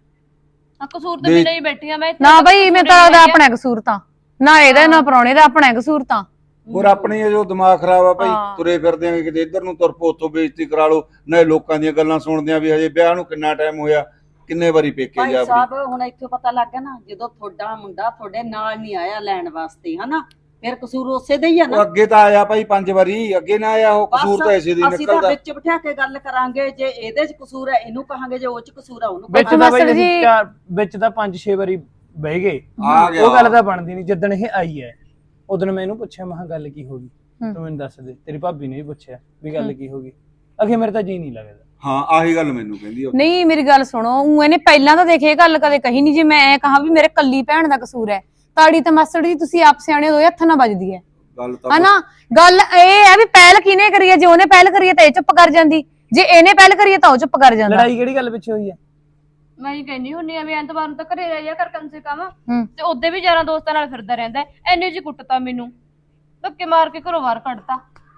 ਆ ਕਸੂਰ ਤਾਂ ਮੇਰਾ ਹੀ ਬੈਠੀ ਆ ਮੈਂ ਇੱਥੇ। ਨਾ ਬਾਈ ਮੈਂ ਤਾਂ ਉਹਦਾ ਆਪਣਾ ਕਸੂਰ ਤਾਂ ਨਾ ਇਹਦਾ ਨਾ ਪ੍ਰਾਹੁਣੇ ਦਾ ਆਪਣਾ ਕਸੂਰ ਤਾਂ। ਹੋਰ ਆਪਣੀ ਇਹ ਜੋ ਦਿਮਾਗ ਖਰਾਬ ਆ ਭਾਈ, ਹਾਂ। ਤੁਰੇ ਫਿਰਦੇ ਆਂ ਕਿਤੇ ਇੱਧਰ ਨੂੰ ਤੁਰ ਪੋ, ਉੱਥੋਂ ਬੇਇੱਜ਼ਤੀ ਕਰਾ ਲਓ, ਨਾ ਲੋਕਾਂ ਦੀਆਂ ਗੱਲਾਂ ਸੁਣਦੇ ਆਂ ਵੀ ਹਜੇ ਵਿਆਹ ਨੂੰ ਕਿੰਨਾ ਟਾਈਮ ਹੋਇਆ, ਕਿੰਨੇ ਵਾਰੀ ਪੇਕੇ ਭਾਈ ਜਾ ਸਾਹਿਬ ਹੁਣ ਇੱਥੋਂ ਪਤਾ ਲੱਗ ਗਿਆ ਨਾ, ਜਦੋਂ ਤੁਹਾਡਾ ਮੁੰਡਾ ਤੁਹਾਡੇ ਨਾਲ ਨਹੀਂ ਆਇਆ ਲੈਣ ਵਾਸਤੇ, ਹਨਾ, ਫਿਰ ਕਸੂਰ ਉਸੇ ਦਾ ਹੀ ਆ ਉਹ ਨਾ। ਅੱਗੇ ਤਾਂ ਆਇਆ ਭਾਈ 5 ਵਾਰੀ, ਅੱਗੇ ਨਾ ਆਇਆ, ਉਹ ਕਸੂਰ ਤਾਂ ਐਸੇ ਦੀ ਅਸੀਂ ਤਾਂ ਨਿਕਲਦਾ। ਵਿੱਚ ਬਿਠਾ ਕੇ ਗੱਲ ਕਰਾਂਗੇ, ਜੇ ਇਹਦੇ 'ਚ ਕਸੂਰ ਹੈ ਇਹਨੂੰ ਕਹਾਂਗੇ, ਜੇ ਉਹ 'ਚ ਕਸੂਰ ਹੈ ਉਹਨੂੰ ਵਿੱਚ ਕਹਾਂਗੇ। ਤਾਂ ਬਾਈ ਮਾਸਟਰ ਜੀ- ਅਸੀਂ ਵਿੱਚ ਤਾਂ 5-6 ਵਾਰੀ ਬਹਿ ਗਏ, ਆ ਗਿਆ। ਉਹ ਗੱਲ ਤਾਂ ਬਣਦੀ ਨਹੀਂ। ਜਿੱਦਣ ਇਹ ਆਈ ਹੈ ਉਦੋਂ ਮੈਂ ਇਹਨੂੰ ਪੁੱਛਿਆ, ਮੈਂ ਕਿਹਾ ਗੱਲ ਕੀ ਹੋ ਗਈ, ਤੂੰ ਮੈਨੂੰ ਦੱਸ ਦੇ। ਤੇਰੀ ਭਾਬੀ ਨੇ ਵੀ ਪੁੱਛਿਆ ਵੀ ਗੱਲ ਕੀ ਹੋ ਗਈ, ਅਖੇ ਮੇਰੇ ਤਾਂ ਜੀ ਨਹੀਂ ਲੱਗਦਾ। ਹਾਂ ਆਹੀ ਗੱਲ ਮੈਨੂੰ ਕਹਿੰਦੀ ਉਹ। ਨਹੀਂ ਮੇਰੀ ਗੱਲ ਸੁਣੋ, ਉਹ ਇਹਨੇ ਪਹਿਲਾਂ ਤਾਂ ਦੇਖੇ ਇਹ ਗੱਲ ਕਦੇ ਕਹੀ ਨਹੀਂ। ਜੇ ਮੈਂ ਐ ਕਹਾਂ ਵੀ ਮੇਰੇ ਕੱਲੀ ਭੈਣ ਦਾ ਕਸੂਰ ਹੈ, ਤਾੜੀ ਤਾਂ ਮਾਸੜ ਜੀ ਤੁਸੀਂ ਆਪ ਸਿਆਣੇ ਹੋ, 2 ਹੱਥਾਂ ਨਾਲ ਵੱਜਦੀ ਹੈ ਗੱਲ ਤਾਂ ਹਨਾ। ਗੱਲ ਇਹ ਹੈ ਵੀ ਪਹਿਲ ਕਿਹਨੇ ਕਰੀ ਹੈ? ਜੇ ਉਹਨੇ ਪਹਿਲ ਕਰੀ ਹੈ ਤਾਂ ਇਹ ਚੁੱਪ ਕਰ ਜਾਂਦੀ, ਜੇ ਇਹਨੇ ਪਹਿਲ ਕਰੀ ਹੈ ਤਾਂ ਉਹ ਚੁੱਪ ਕਰ ਜਾਂਦਾ। ਲੜਾਈ ਕਿਹੜੀ ਗੱਲ ਪਿੱਛੇ ਹੋਈ ਹੈ? ਮੈਂ ਹੀ ਕਹਿੰਦੀ ਹੁੰਨੀ ਆ ਵੀ ਐਤਵਾਰ ਨੂੰ ਤਾਂ ਘਰੇ ਰਹਿ ਜਾ ਕਰ ਕਮ ਸੇ ਕਮ, ਹੂੰ। ਤੇ ਉਹਦੇ ਵੀ ਯਾਰਾਂ ਦੋਸਤਾਂ ਨਾਲ ਫਿਰਦਾ ਰਹਿੰਦਾ ਹੈ। ਐਨੇ ਜੀ ਕੁੱਟਤਾ ਮੈਨੂੰ, ਧੱਕੇ ਮਾਰ ਕੇ ਘਰੋਂ ਬਾਹਰ ਕੱਢਤਾ।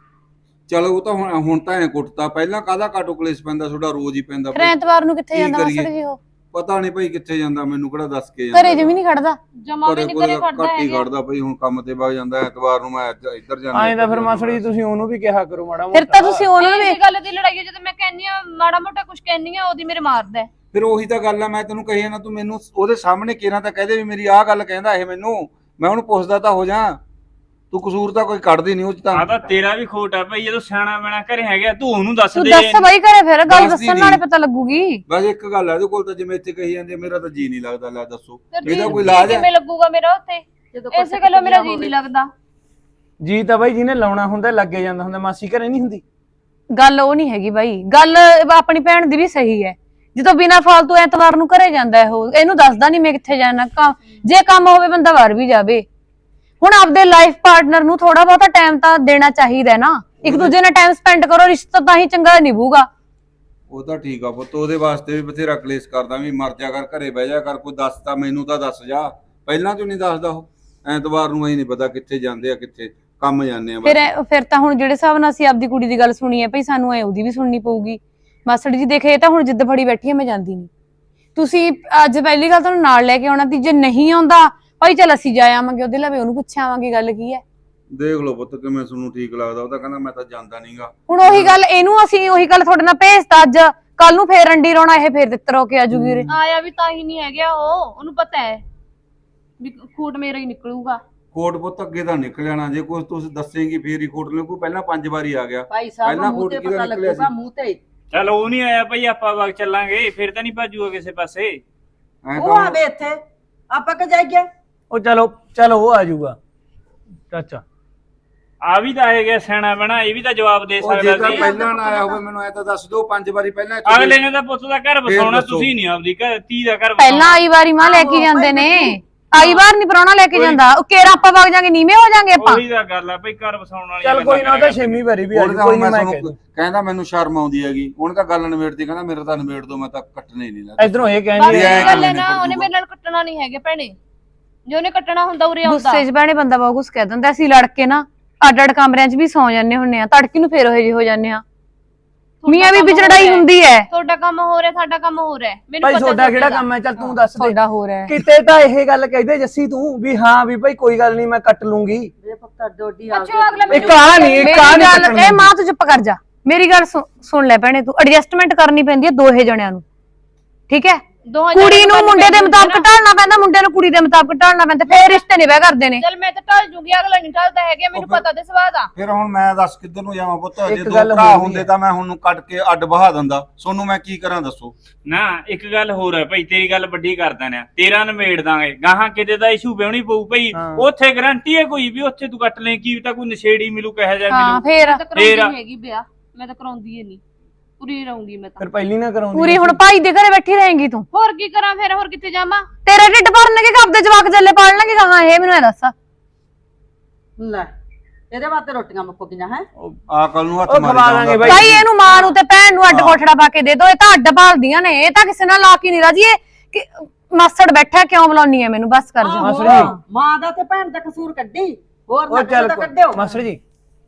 ਚਲੋ ਉਹ ਤਾਂ ਹੁਣ ਤਾਂ ਐ ਕੁੱਟਤਾ, ਪਹਿਲਾਂ ਕਾਹਦਾ ਕਾਟੋ ਕਲੇਸ਼ ਪੈਂਦਾ, ਤੁਹਾਡਾ ਰੋਜ਼ ਹੀ ਪੈਂਦਾ ਫਿਰ ਭਾਈ। ਐਤਵਾਰ ਨੂੰ ਕਿੱਥੇ ਕੀ ਜਾਂਦਾ ਮਾਸੜ ਕਰੀਏ? ਜੀ ਉਹ? ਪਤਾ ਨਹੀਂ ਭਾਈ ਕਿੱਥੇ ਜਾਂਦਾ, ਮੈਨੂੰ ਕਿਹੜਾ ਦੱਸ ਕੇ ਘਰੇ ਜਿਵੇਂ ਨਹੀਂ ਖੜਦਾ। ਜਮਾ ਵੀ ਨਹੀਂ ਘਰੇ ਖੜਦਾ ਘੱਟ ਹੀ ਹੈਗਾ। ਖੜਦਾ ਭਾਈ, ਹੁਣ ਕੰਮ ਤੇ ਵਗ ਜਾਂਦਾ, ਐਤਵਾਰ ਨੂੰ ਮੈਂ ਇੱਧਰ ਜਾਂਦਾ। ਐਂ ਤਾਂ ਫਿਰ ਮਾਸੜ ਜੀ ਤੁਸੀਂ ਉਹਨੂੰ ਵੀ ਕਿਹਾ ਕਰੋ ਮਾੜਾ ਫਿਰ ਤਾਂ ਤੁਸੀਂ ਉਹਨਾਂ ਨੂੰ ਇਹ ਗੱਲ ਦੀ ਲੜਾਈ ਹੈ, ਜਦੋਂ ਮੈਂ ਕਹਿੰਨੀ ਆ ਮਾੜਾ ਮੋਟਾ ਕੁਝ ਕਹਿੰਨੀ ਆ, ਉਹਦੀ ਮੇਰੇ ਮਾਰਦਾ ਹੈ। ਫਿਰ ਉਹੀ ਤਾਂ ਗੱਲ ਆ, ਮੈਂ ਤੈਨੂੰ ਕਹੀ ਨਾ, ਤੂੰ ਮੈਨੂੰ ਉਹਦੇ ਸਾਹਮਣੇ ਕਿਹਨਾਂ ਤਾਂ ਕਹਦੇ ਵੀ ਮੇਰੀ ਆਹ ਗੱਲ ਕਹਿੰਦਾ ਇਹ ਮੈਨੂੰ, ਮੈਂ ਉਹਨੂੰ ਪੁੱਛਦਾ ਤਾਂ ਹੋ ਜਾ। ਤੂੰ ਕਸੂਰ ਤਾਂ ਕੋਈ ਕੱਢਦੀ ਨਹੀਂ ਉਹ ਚ ਆ ਤਾਂ। ਤਾਂ ਤੇਰਾ ਵੀ ਖੋਟ ਆ ਭਾਈ, ਜਦੋਂ ਸਿਆਣਾ ਬਣਾ ਘਰੇ ਹੈਗਾ ਤੂੰ ਉਹਨੂੰ ਦੱਸ ਤੂੰ ਦੇ। ਦੱਸ ਬਾਈ ਘਰੇ ਫਿਰ ਗੱਲ ਦੱਸਦੀ ਦੱਸਣ ਨਾਲੇ ਨਹੀਂ। ਪਤਾ ਲੱਗੂਗੀ। ਬਸ ਇੱਕ ਗੱਲ ਆ ਇਹਦੇ ਕੋਲ ਤਾਂ, ਜਿਵੇਂ ਇੱਥੇ ਕਹੀ ਜਾਂਦੇ ਮੇਰਾ ਤਾਂ ਜੀ ਨਹੀਂ ਲੱਗਦਾ। ਲੈ ਦੱਸੋ ਫਿਰ ਇਹਦਾ ਜੀ- ਕੋਈ ਇਲਾਜ ਹੈ? ਕਿਵੇਂ ਲੱਗੂਗਾ ਮੇਰਾ ਉੱਥੇ? ਜਦੋਂ ਇਸੇ ਗੱਲੋਂ ਮੇਰਾ ਜੀ ਨਹੀਂ ਲੱਗਦਾ। ਜੀ ਤਾਂ ਬਾਈ ਜਿਹਨੇ ਲਾਉਣਾ ਹੁੰਦਾ ਲੱਗੇ ਜਾਂਦਾ ਹੁੰਦਾ, ਮਾਸੀ ਘਰੇ ਨਹੀਂ ਹੁੰਦੀ। ਗੱਲ ਉਹ ਨਹੀਂ ਹੈਗੀ ਬਾਈ, ਗੱਲ ਆਪਣੀ ਭੈਣ ਦੀ ਵੀ ਸਹੀ ਹੈ। ਜਦੋਂ ਬਿਨਾਂ ਫਾਲਤੂ ਐਤਵਾਰ ਨੂੰ ਘਰੇ ਜਾਂਦਾ ਹੈ ਉਹ, ਇਹਨੂੰ ਦੱਸਦਾ ਨਹੀਂ ਮੈਂ ਕਿੱਥੇ ਜਾਣਾ। ਜੇ ਕੰਮ ਹੋਵੇ ਬੰਦਾ ਬਾਹਰ ਵੀ ਜਾਵੇ। ਹੁਣ ਆਪਦੇ ਲਾਈਫ ਪਾਰਟਨਰ ਨੂੰ ਥੋੜਾ ਬਹੁਤਾ ਟਾਈਮ ਤਾਂ ਦੇਣਾ ਚਾਹੀਦਾ ਹੈ ਨਾ, ਇੱਕ ਦੂਜੇ ਨਾਲ ਟਾਈਮ ਸਪੈਂਡ ਕਰੋ, ਰਿਸ਼ਤਾ ਤਾਂ ਹੀ ਚੰਗਾ ਨਿਭੂਗਾ। ਉਹ ਤਾਂ ਠੀਕ ਆ ਪੁੱਤ, ਉਹਦੇ ਵਾਸਤੇ ਵੀ ਬਥੇਰਾ ਕਲੇਸ਼ ਕਰਦਾ ਵੀ ਮਰ ਜਾ ਕਰ, ਘਰੇ ਬਹਿ ਜਾ ਕਰ, ਕੋਈ ਦੱਸਦਾ ਮੈਨੂੰ ਤਾਂ ਦੱਸ ਜਾ। ਪਹਿਲਾਂ ਤੂੰ ਨਹੀਂ ਦੱਸਦਾ ਉਹ, ਐਤਵਾਰ ਨੂੰ ਅਸੀਂ ਨਹੀਂ ਪਤਾ ਕਿੱਥੇ ਜਾਂਦੇ ਆ, ਕਿੱਥੇ ਕੰਮ ਜਾਂਦੇ ਆ। ਫਿਰ ਤਾਂ ਹੁਣ ਜਿਹੜੇ ਹਿਸਾਬ ਨਾਲ ਅਸੀਂ ਆਪਦੀ ਕੁੜੀ ਦੀ ਗੱਲ ਸੁਣੀ ਹੈ ਭਈ, ਸਾਨੂੰ ਐ ਉਹਦੀ ਵੀ ਸੁਣਨੀ ਪਊਗੀ। ਮਾਸੜ ਜੀ ਦੇਖੇ ਇਹ ਤਾਂ ਹੁਣ ਜਿੱਦ ਫੜੀ ਬੈਠੀ ਹੈ, ਮੈਂ ਜਾਂਦੀ ਨਹੀਂ। ਤੁਸੀਂ ਅੱਜ ਪਹਿਲੀ ਗੱਲ ਤੁਹਾਨੂੰ ਨਾਲ ਲੈ ਕੇ ਆਉਣਾ ਤੀ, ਜੇ ਨਹੀਂ ਆਉਂਦਾ ਭਾਈ ਚੱਲ ਅਸੀਂ ਜਾ ਆਵਾਂਗੇ ਉਹਦੇ ਲਵੇ, ਉਹਨੂੰ ਪੁੱਛ ਆਵਾਂਗੇ ਗੱਲ ਕੀ ਹੈ। ਦੇਖ ਲਓ ਪੁੱਤ ਕਿਵੇਂ ਤੁਹਾਨੂੰ ਠੀਕ ਲੱਗਦਾ। ਉਹ ਤਾਂ ਕਹਿੰਦਾ ਮੈਂ ਤਾਂ ਜਾਂਦਾ ਨਹੀਂਗਾ। ਹੁਣ ਉਹੀ ਗੱਲ ਇਹਨੂੰ ਅਸੀਂ ਉਹੀ ਗੱਲ ਤੁਹਾਡੇ ਨਾਲ ਭੇਜਤਾ ਅੱਜ, ਕੱਲ ਨੂੰ ਫੇਰ ਅੰਡੀ ਰੋਣਾ, ਇਹ ਫੇਰ ਤਿੱਤਰ ਹੋ ਕੇ ਆਜੂਗੀ ਉਰੇ। ਆਇਆ ਵੀ ਤਾਂ ਹੀ ਨਹੀਂ ਹੈਗਾ ਉਹ, ਉਹਨੂੰ ਪਤਾ ਹੈ ਵੀ ਖੂਟ ਮੇਰਾ ਹੀ ਨਿਕਲੂਗਾ। ਕੋਟ ਪੁੱਤ ਅੱਗੇ ਤਾਂ ਨਿਕਲ ਜਾਣਾ, ਜੇ ਕੁਝ ਤੁਸੀਂ ਦੱਸੇਂਗੀ ਫੇਰ ਹੀ ਕੋਟ ਨਿਕਲੂ। ਪਹਿਲਾਂ 5 ਵਾਰੀ ਆ ਗਿਆ, ਭਾਈ ਸਾਹਿਬ ਪਹਿਲਾਂ ਮੂੰਹ ਕੋਟ ਤੇ ਕਿਹਦਾ ਪਤਾ ਨਿਕਲਿਆ ਲੱਗੂਗਾ, ਸੀ? ਮੂੰਹ ਤੇ ਚਲ ਉਹ ਨਹੀਂ ਆਇਆ ਭਾਈ, ਆਪਾਂ ਵਗ ਚੱਲਾਂਗੇ, ਫਿਰ ਤਾਂ ਨਹੀਂ ਭਾਜੂਗਾ ਕਿਸੇ ਪਾਸੇ। ਐਂ ਉਹ ਤਾਂ ਆਵੇ ਇੱਥੇ ਆਪਾਂ ਕਿ ਜਾਈਏ। ਉਹ ਚਲੋ ਉਹ ਆ ਜਾਊਗਾ ਚਾਚਾ। ਆ ਵੀ ਤਾਂ ਆਏ ਗਿਆ ਸਿਆਣਾ ਬਣਾ, ਇਹ ਵੀ ਤਾਂ ਜਵਾਬ ਦੇ ਉਹ ਜੇ ਸਕਦਾ ਤਾਂ ਸੀ। ਪਹਿਲਾਂ ਨਾ ਆਇਆ ਹੋਵੇ ਮੈਨੂੰ ਐ ਤਾਂ ਦੱਸ ਦਿਓ, 5 ਵਾਰੀ ਪਹਿਲਾਂ ਇੱਥੇ ਅਗਲੇ ਨੇ ਤਾਂ ਪੁੱਤ ਦਾ ਘਰ ਵਸਾਉਣਾ, ਦੱਸੋ। ਤੁਸੀਂ ਨਹੀਂ ਆਪਦੀ ਘਰ ਧੀ ਦਾ ਘਰ ਪਹਿਲਾਂ ਆਈ ਵਾਰੀ ਮਾਂ ਲੈ ਕੇ ਜਾਂਦੇ ਨੇ, ਆਈ ਵਾਰ ਨਹੀਂ ਪਰਾਉਣਾ ਲੈ ਕੇ ਜਾਂਦਾ। ਉਹ ਕੇਰਾ ਆਪਾਂ ਵਗ ਜਾਾਂਗੇ, ਨੀਵੇਂ ਹੋ ਜਾਾਂਗੇ ਆਪਾਂ। ਉਹੀ ਤਾਂ ਗੱਲ ਆ ਭਾਈ, ਘਰ ਵਸਾਉਣ ਵਾਲੀ ਚੱਲ ਕੋਈ ਨਾ, ਉਹ ਤਾਂ 6ਵੀਂ ਵਾਰੀ ਵੀ ਆ ਜਾਊ, ਕੋਈ ਨਹੀਂ ਮੈਂ ਕਹਿ ਦੂੰ। ਕਹਿੰਦਾ ਮੈਨੂੰ ਸ਼ਰਮ ਆਉਂਦੀ ਹੈਗੀ, ਉਹਨੇ ਤਾਂ ਗੱਲ ਨਿਬੇੜਦੀ, ਕਹਿੰਦਾ ਮੇਰਾ ਤਾਂ ਨਿਬੇੜ ਦੋ, ਮੈਂ ਤਾਂ ਕੱਟਣੇ ਨਹੀਂ ਲੱਗਦਾ। ਇਧਰੋਂ ਇਹ ਬਸ ਕਹਿੰਦੇ ਇਹ ਇਹ ਐਂ ਗੱਲ ਹੈ ਕਿਵੇਂ ਨਾ, ਉਹਨੇ ਨਿਬੜ ਮੇਰੇ ਨਾਲ ਕੱਟਣਾ ਨਹੀਂ ਹੈਗੇ ਭੈਣੇ, ਜੇ ਉਹਨੇ ਕੱਟਣਾ ਹੁੰਦਾ ਉਰੇ ਆਉਂਦਾ। ਗੁੱਸੇ 'ਚ ਭੈਣੇ ਬੰਦਾ ਬਹੁਤ ਕੁਛ ਕਹਿ ਦਿੰਦਾ। ਅਸੀਂ ਲੜ ਕੇ ਨਾ ਅੱਡ-ਅੱਡ ਕਮਰਿਆਂ 'ਚ ਵੀ ਸੌ ਜਾਂਦੇ ਹੁੰਨੇ ਆ, ਤੜਕੀ ਨੂੰ ਫੇਰ ਉਹ ਜਿਹੇ ਹੋ ਜਾਂਦੇ ਆ। ਮੀਆਂ ਬੀਬੀ 'ਚ ਲੜਾਈ ਹੁੰਦੀ ਹੈ। ਤੁਹਾਡਾ ਕੰਮ ਹੋ ਰਿਹਾ, ਸਾਡਾ ਕੰਮ ਹੋ ਰਿਹਾ, ਮੈਨੂੰ ਭਾਈ ਪਤਾ ਤੁਹਾਡਾ ਕਿਹੜਾ ਕੰਮ ਹੈ? ਚੱਲ ਤੂੰ ਦੱਸ ਦੇ। ਤੁਹਾਡਾ ਹੋ ਰਿਹਾ ਹੈ। ਕਿਤੇ ਤਾਂ ਇਹ ਗੱਲ ਕਹਿੰਦੇ ਜੱਸੀ ਤੂੰ ਵੀ ਹਾਂ ਵੀ ਭਾਈ ਕੋਈ ਗੱਲ ਨਹੀਂ ਮੈਂ ਕੱਟ ਲੂੰਗੀ। ਮੇਰੇ ਪੁੱਤ ਡੋਡੀ ਆ ਅੱਛਾ ਅਗਲਾ ਇੱਕ ਆ ਨਹੀਂ ਮੇਰੀ ਇੱਕ ਆ ਨਹੀਂ ਗੱਲ ਇਹ ਮਾਂ ਤੂੰ ਚੁੱਪ ਕਰ ਜਾ, ਮੇਰੀ ਗੱਲ ਸੁਣ ਲੈ ਭੈਣੇ, ਤੂੰ ਐਡਜਸਟਮੈਂਟ ਕਰਨੀ ਪੈਂਦੀ ਹੈ ਦੋਹੇ ਜਣਿਆਂ ਨੂੰ, ਠੀਕ ਹੈ? ਕੁੜੀ ਨੂੰ ਮੁੰਡੇ ਦੇ ਮੁਤਾਬਕ ਢਾਲਣਾ ਪੈਂਦਾ, ਮੁੰਡੇ ਨੂੰ ਕੁੜੀ ਦੇ ਮੁਤਾਬਕ ਢਾਲਣਾ ਪੈਂਦਾ, ਫੇਰ ਰਿਸ਼ਤੇ ਨਹੀਂ ਵਿਆਹ ਕਰਦੇ ਨੇ। ਚੱਲ ਮੈਂ ਤਾਂ ਢਲ ਜੂਗੀ, ਅਗਲਾ ਨਹੀਂ ਢਲਦਾ ਹੈਗਾ, ਮੈਨੂੰ ਪਤਾ ਤੇ ਸਵਾਦ ਆ। ਫਿਰ ਹੁਣ ਮੈਂ ਦੱਸ ਕਿੱਧਰ ਨੂੰ ਜਾਵਾਂ ਪੁੱਤ? ਜੇ ਇੱਕ 2 ਗੱਲ ਭਰਾ ਹੋਰ ਵੀ ਹੁੰਦੇ ਹੈ। ਤਾਂ ਮੈਂ ਹੁਣ ਨੂੰ ਕੱਟ ਕੇ ਅੱਡ ਬਹਾ ਦਿੰਦਾ, ਸੋਨੂੰ ਮੈਂ ਕੀ ਕਰਾਂ ਦੱਸੋ? ਨਾ ਇੱਕ ਗੱਲ ਹੋਰ ਹੈ ਭਾਈ, ਤੇਰੀ ਗੱਲ ਵੱਡੀ ਕਰ ਦਿੰਦੇ ਆ, ਤੇਰਾ ਨਿਮੇੜ ਦਾਂਗੇ ਗਾਹਾਂ, ਕਿਤੇ ਦਾ ਇਸ਼ੂ ਵਿਆਹਣੀ ਪਊ ਭਾਈ, ਉੱਥੇ ਗਰੰਟੀ ਹੈ ਕੋਈ ਵੀ, ਉੱਥੇ ਤੂੰ ਕੱਟ ਲੈ, ਕੀ ਤਾਂ ਕੋਈ ਨਸ਼ੇੜੀ ਮਿਲੂ, ਕਹੇ ਜਾ ਹਾਂ ਮਿਲੂ। ਫੇਰ ਮੈਂ ਤਾਂ ਕਰਾਉਂਦੀ ਨਹੀਂ ਹੈਗੀ ਵਿਆਹ, ਮੈਂ ਤਾਂ ਕਰਾਉਂਦੀ ਹੀ ਨਹੀਂ, ਪੂਰੀ ਰਹੂੰਗੀ ਮੈਂ ਤਾਂ। ਫਿਰ ਪਹਿਲੀ ਨਾ ਕਰਾਉਂਦੀ ਪੂਰੀ ਹੁਣ ਭਾਈ ਦੇ ਘਰੇ ਬੈਠੀ ਰਹੇਂਗੀ ਤੂੰ? ਹੋਰ ਕੀ ਕਰਾਂ ਫਿਰ, ਹੋਰ ਕਿੱਥੇ ਜਾਵਾਂ? ਤੇਰੇ ਢਿੱਡ ਭਰਨਗੇ ਕਿ ਆਪਦੇ ਜਵਾਕ ਜੱਲੇ ਪਾੜ ਲਾਂਗੇ ਕਹਾਂ? ਇਹ ਮੈਨੂੰ ਇਹ ਦੱਸ। ਲੈ ਇਹਦੇ ਵਾਸਤੇ ਰੋਟੀਆਂ ਮੁੱਕ ਗਈਆਂ ਹੈ। ਆ ਕੱਲ ਨੂੰ ਹੱਥ ਉਹ ਮਾਰੀ ਖਵਾ ਲਾਂਗੇ ਜਾਊਂਗਾ। ਬਾਈ। ਭਾਈ ਇਹਨੂੰ ਮਾਂ ਨੂੰ ਤੇ ਭੈਣ ਨੂੰ ਅੱਡ ਕੋਠੜਾ ਪਾ ਕੇ ਦੇ ਦੋ, ਇਹ ਤਾਂ ਅੱਡ ਭਾਲਦੀਆਂ ਨੇ, ਇਹ ਤਾਂ ਕਿਸੇ ਨਾਲ ਲਾ ਕੇ ਨਹੀਂ ਰਾਜੀ। ਇਹ ਕਿ ਮਾਸੜ ਬੈਠਾ ਕਿਉਂ ਬੁਲਾਉਣੀ ਹੈ ਮੈਨੂੰ? ਬਸ ਕਰ ਜਾ। ਮਾਸੜ ਆਹੋ, ਜੀ। ਮਾਂ ਦਾ ਤੇ ਭੈਣ ਦਾ ਕਸੂਰ ਕੱਢੀ, ਹੋਰ ਉਹ ਨਾ ਚੱਲ ਤਾਂ ਕੱਢਿਓ। ਮਾਸਟਰ ਜੀ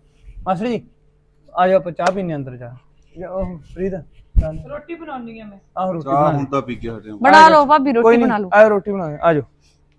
ਆ ਜਾ ਆਪਾਂ ਚਾਹ ਪੀਣੇ ਅੰਦਰ ਜਾ। ਉਹ ਫਰੀਦ ਰੋਟੀ ਬਣਾਉਣੀ ਆ ਮੈਂ। ਆਹ ਰੋਟੀ ਚਾਹ ਬਣਾ ਹੁਣ ਤਾਂ ਪੀ ਕੇ ਹਟਿਆ। ਬਣਾ ਲਓ ਭਾਬੀ, ਕੋਈ ਰੋਟੀ ਨਹੀਂ, ਬਣਾ ਲਓ। ਆ ਰੋਟੀ ਬਣਾ ਆ ਜਾਓ।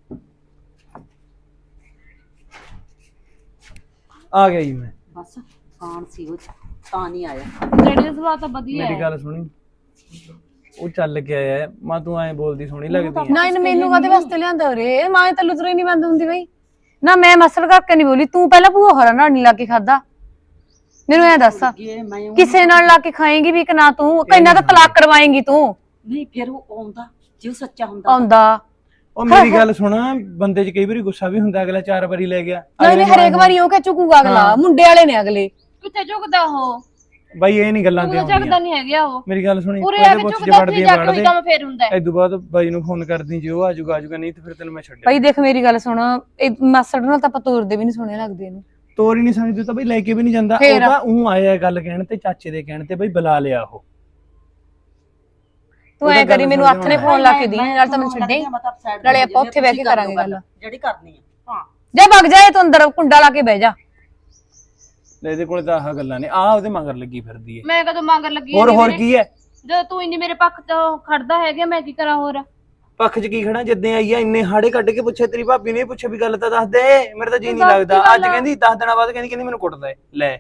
ਆ ਗਿਆ ਜੀ ਮੈਂ। ਬਸ ਕਾਨ ਸੀ ਉਹ ਤਾਂ ਨਹੀਂ ਆਇਆ। ਡੈਡੀ ਦਾ ਸੁਭਾਅ ਤਾਂ ਵਧੀਆ ਮੇਰੀ ਹੈ। ਗੱਲ ਸੁਣੀ, ਉਹ ਚੱਲ ਕੇ ਆਇਆ ਮਾਂ, ਤੂੰ ਐਂ ਬੋਲਦੀ ਸੋਹਣੀ ਲੱਗਦੀ ਹੈ। ਨਾ ਇਹਨੇ ਮੈਨੂੰ ਕਾਹਦੇ ਵਾਸਤੇ ਲਿਆਂਦਾ ਉਰੇ? ਮਾਂ ਤਾਂ ਲੁਤਰੋ ਹੀ ਨਹੀਂ ਬੰਦ ਹੁੰਦੀ ਬਈ। ਨਾ ਮੈਂ ਮਸਲ ਕਰਕੇ ਨਹੀਂ ਬੋਲੀ, ਤੂੰ ਪਹਿਲਾਂ ਭੂਆ ਹੋਰਾਂ ਨਾਲ ਨਹੀਂ ਲਾ ਕੇ ਖਾਦਾ। ਮੈਨੂੰ ਐ ਦੱਸ, ਇਹ ਮੈਂ ਕਿਸੇ ਨਾਲ ਲਾ ਕੇ ਖਾਏਂਗੀ ਵੀ ਕਿ ਨਾ? ਤੂੰ ਕਿੰਨਾ ਤਾਂ ਤਲਾਕ ਕਰਵਾਏਂਗੀ ਤੂੰ? ਨਹੀਂ ਫਿਰ ਉਹ ਆਉਂਦਾ, ਜੇ ਉਹ ਸੱਚਾ ਹੁੰਦਾ ਆਉਂਦਾ ਉਹ ਮੇਰੀ ਗੱਲ ਸੁਣ, ਬੰਦੇ 'ਚ ਕਈ ਵਾਰੀ ਗੁੱਸਾ ਵੀ ਹੁੰਦਾ, ਅਗਲਾ 4 ਵਾਰੀ ਲੈ ਗਿਆ। ਨਹੀਂ ਹਰੇਕ ਵਾਰੀ ਉਹ ਕਿ ਚੁਕੂਗਾ ਅਗਲਾ, ਮੁੰਡੇ ਵਾਲੇ ਨੇ ਅਗਲੇ। ਕਿੱਥੇ ਝੁਕਦਾ ਉਹ? ਬਾਈ ਇਹ ਨਹੀਂ ਗੱਲਾਂ ਤੇ ਝੁਕਦਾ ਆਉਂਦੀਆਂ। ਨਹੀਂ ਹੈਗਾ ਉਹ। ਮੇਰੀ ਗੱਲ ਸੁਣੀ, ਉਰੇ ਆ ਕੇ ਪੁੱਛ ਝੁਕਦਾ, ਉੱਥੇ ਵੜਦੀ ਜਾ ਕੇ ਵੜਦੇ ਉਹੀ ਕੰਮ ਫੇਰ ਹੁੰਦਾ ਹੈ। ਇਦੋਂ ਬਾਅਦ ਬਾਈ ਨੂੰ ਫੋਨ ਕਰਦੀ, ਜੇ ਉਹ ਆਜੂਗਾ ਨਹੀਂ ਤੇ ਫਿਰ ਤੈਨੂੰ ਮੈਂ ਛੱਡਿਆ। ਭਾਈ ਦੇਖ ਮੇਰੀ ਗੱਲ ਸੁਣ, ਇਹ ਮਾਸੜ ਨਾਲ ਤਾਂ ਆਪਾਂ ਤੋਰਦੇ ਵੀ ਨਹੀਂ ਸੋਹਣੇ ਲੱਗਦੇ ਇਹਨੂੰ। ਤੋਰ ਹੀ ਨਹੀਂ ਸਮਝਦੇ ਤਾਂ ਬਈ ਲੈ ਕੇ ਵੀ ਨਹੀਂ ਜਾਂਦਾ। ਫੇਰ? ਉਹ ਤਾਂ ਉਹ ਆਇਆ ਗੱਲ ਕਹਿਣ ਤੇ, ਚਾਚੇ ਦੇ ਕਹਿਣ ਤੇ ਬਈ ਬੁਲਾ ਲਿਆ ਉਹ। ਤੂੰ ਐ ਕਰੀ, ਮੈਨੂੰ ਹੱਥ ਨੇ ਫੋਨ ਲਾ ਕੇ ਦੀ, ਨਾਲ ਤਾਂ ਮੈਨੂੰ ਛੱਡੇ, ਨਾਲੇ ਆਪਾਂ ਉੱਥੇ ਬਹਿ ਕੇ ਕਰਾਂਗੇ ਗੱਲ ਜਿਹੜੀ ਕਰਨੀ ਆ। ਹਾਂ ਜਾ ਵਗ ਜਾ, ਤੂੰ ਅੰਦਰ ਕੁੰਡਾ ਲਾ ਕੇ ਬਹਿ ਜਾ। ਲੈ ਇਹਦੇ ਕੋਲੇ ਤਾਂ ਆਹ ਗੱਲਾਂ ਨੇ, ਆ ਉਹਦੇ ਮਗਰ ਲੱਗੀ ਫਿਰਦੀ ਹੈ। ਮੈਂ ਕਦੋਂ ਮੰਗਰ ਲੱਗੀ ਹੋਰ ਹੈਗੀ ਹੋਰ ਮੇਰੇ? ਕੀ ਹੈ? ਜਦੋਂ ਤੂੰ ਇੰਨੀ ਮੇਰੇ ਪੱਖ ਤੋਂ ਖੜਦਾ ਹੈਗਾ, ਮੈਂ ਕੀ ਕਰਾਂ ਹੋਰ? ਪੱਖ 'ਚ ਕੀ ਖੜਾ? ਜਿੱਦਾਂ ਆਈ ਆ ਇੰਨੇ ਹਾੜੇ ਕੱਢ ਕੇ ਪੁੱਛੇ, ਤੇਰੀ ਭਾਬੀ ਨੇ ਪੁੱਛਿਆ ਵੀ ਗੱਲ ਤਾਂ ਦੱਸ ਦੇ, ਮੇਰੇ ਤਾਂ ਜੀ ਨਹੀਂ ਦੱਸ ਲੱਗਦਾ। ਕੀ ਅੱਜ ਗੱਲ ਆ? ਕਹਿੰਦੀ 10 ਦਿਨਾਂ ਬਾਅਦ ਕਹਿੰਦੀ ਮੈਨੂੰ ਕੁੱਟਦਾ ਹੈ। ਲੈ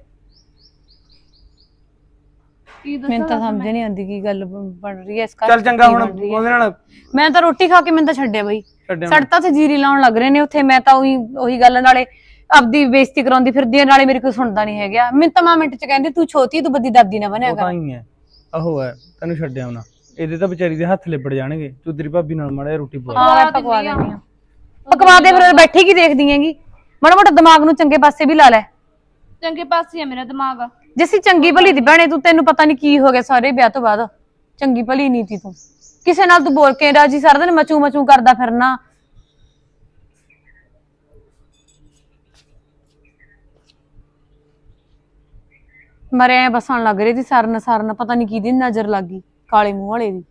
ਕੀ ਦੱਸਾਂ? ਮੈਨੂੰ ਤਾਂ ਸਮਝ ਨਹੀਂ ਆਉਂਦੀ ਕੀ ਗੱਲ ਬਣ ਰਹੀ ਹੈ ਇਸ ਘਰ ਚੱਲ ਚ, ਚੰਗਾ, ਕੀ ਹੁਣ ਬਣ ਰਹੀ ਹੈ। ਉਹਦੇ ਨਾਲ ਮੈਂ ਤਾਂ ਰੋਟੀ ਖਾ ਕੇ ਮੈਨੂੰ ਤਾਂ ਛੱਡਿਆ ਬਈ, ਛੱਡਿਆ ਸੜਤਾ ਤੇ ਜੀਰੀ ਲਾਉਣ ਲੱਗ ਰਹੇ ਨੇ ਉੱਥੇ। ਮੈਂ ਤਾਂ ਉਹੀ ਗੱਲ, ਨਾਲੇ ਆਪਦੀ ਬੇਇੱਜ਼ਤੀ ਕਰਾਉਂਦੀ ਫਿਰਦੀ ਹੈ, ਨਾਲੇ ਮੇਰੇ ਕੋਈ ਸੁਣਦਾ ਨਹੀਂ ਹੈਗਾ। ਮੈਨੂੰ ਤਾਂ 5 ਮਿੰਟ ਚ ਕਹਿੰਦੇ ਤੂੰ ਛੋਟੀ, ਤੂੰ ਵੱਡੀ ਦਾਦੀ ਨਾ ਬਣਿਆ ਉਹ ਤਾਂ ਕਰ। ਹੀ ਹੈ, ਆਹੋ ਹੈ, ਤੈਨੂੰ ਛੱਡਿਆ ਉਹਨਾਂ। ਇਹਦੇ ਤਾਂ ਵਿਚਾਰੀ ਦੇ ਹੱਥ ਲਿਬੜ ਜਾਣਗੇ। ਤੂੰ ਤੇਰੀ ਭਾਬੀ ਨਾਲ ਮਾੜਾ ਜਿਹਾ ਰੋਟੀ ਪਵਾ। ਹਾਂ ਮੈਂ ਪਕਵਾ ਦਿੰਦੀ ਆ। ਪਕਵਾ ਦੇ ਫਿਰ, ਬੈਠੀ ਕੀ ਦੇਖਦੀ ਹੈਗੀ? ਮਾੜਾ ਮੋਟਾ ਦਿਮਾਗ ਨੂੰ ਚੰਗੇ ਪਾਸੇ ਵੀ ਲਾ ਲੈ। ਚੰਗੇ ਪਾਸੇ ਆ ਮੇਰਾ ਦਿਮਾਗ। ਜੇ ਅਸੀਂ ਚੰਗੀ ਭਲੀ ਦੀ ਭੈਣੇ, ਤੂੰ ਤੈਨੂੰ ਪਤਾ ਨਹੀਂ ਕੀ ਹੋ ਗਿਆ ਸਾਰੇ ਵਿਆਹ ਤੋਂ ਬਾਅਦ। ਚੰਗੀ ਭਲੀ ਨਹੀਂ ਤੀ ਤੂੰ, ਕਿਸੇ ਨਾਲ ਤੂੰ ਬੋਲ ਕੇ ਰਾਜੀ, ਸਾਰਾ ਦਿਨ ਮਚੂ ਮਚੂ ਕਰਦਾ ਫਿਰਨਾ। ਮਰੇ ਬਸਣ ਲੱਗ ਰਹੀ ਸੀ, ਸਰਨ ਪਤਾ ਨਹੀਂ ਕਿਹਦੀ ਨਜ਼ਰ ਲੱਗ ਗਈ, ਕਾਲੇ ਮੂੰਹ ਵਾਲੇ ਦੀ।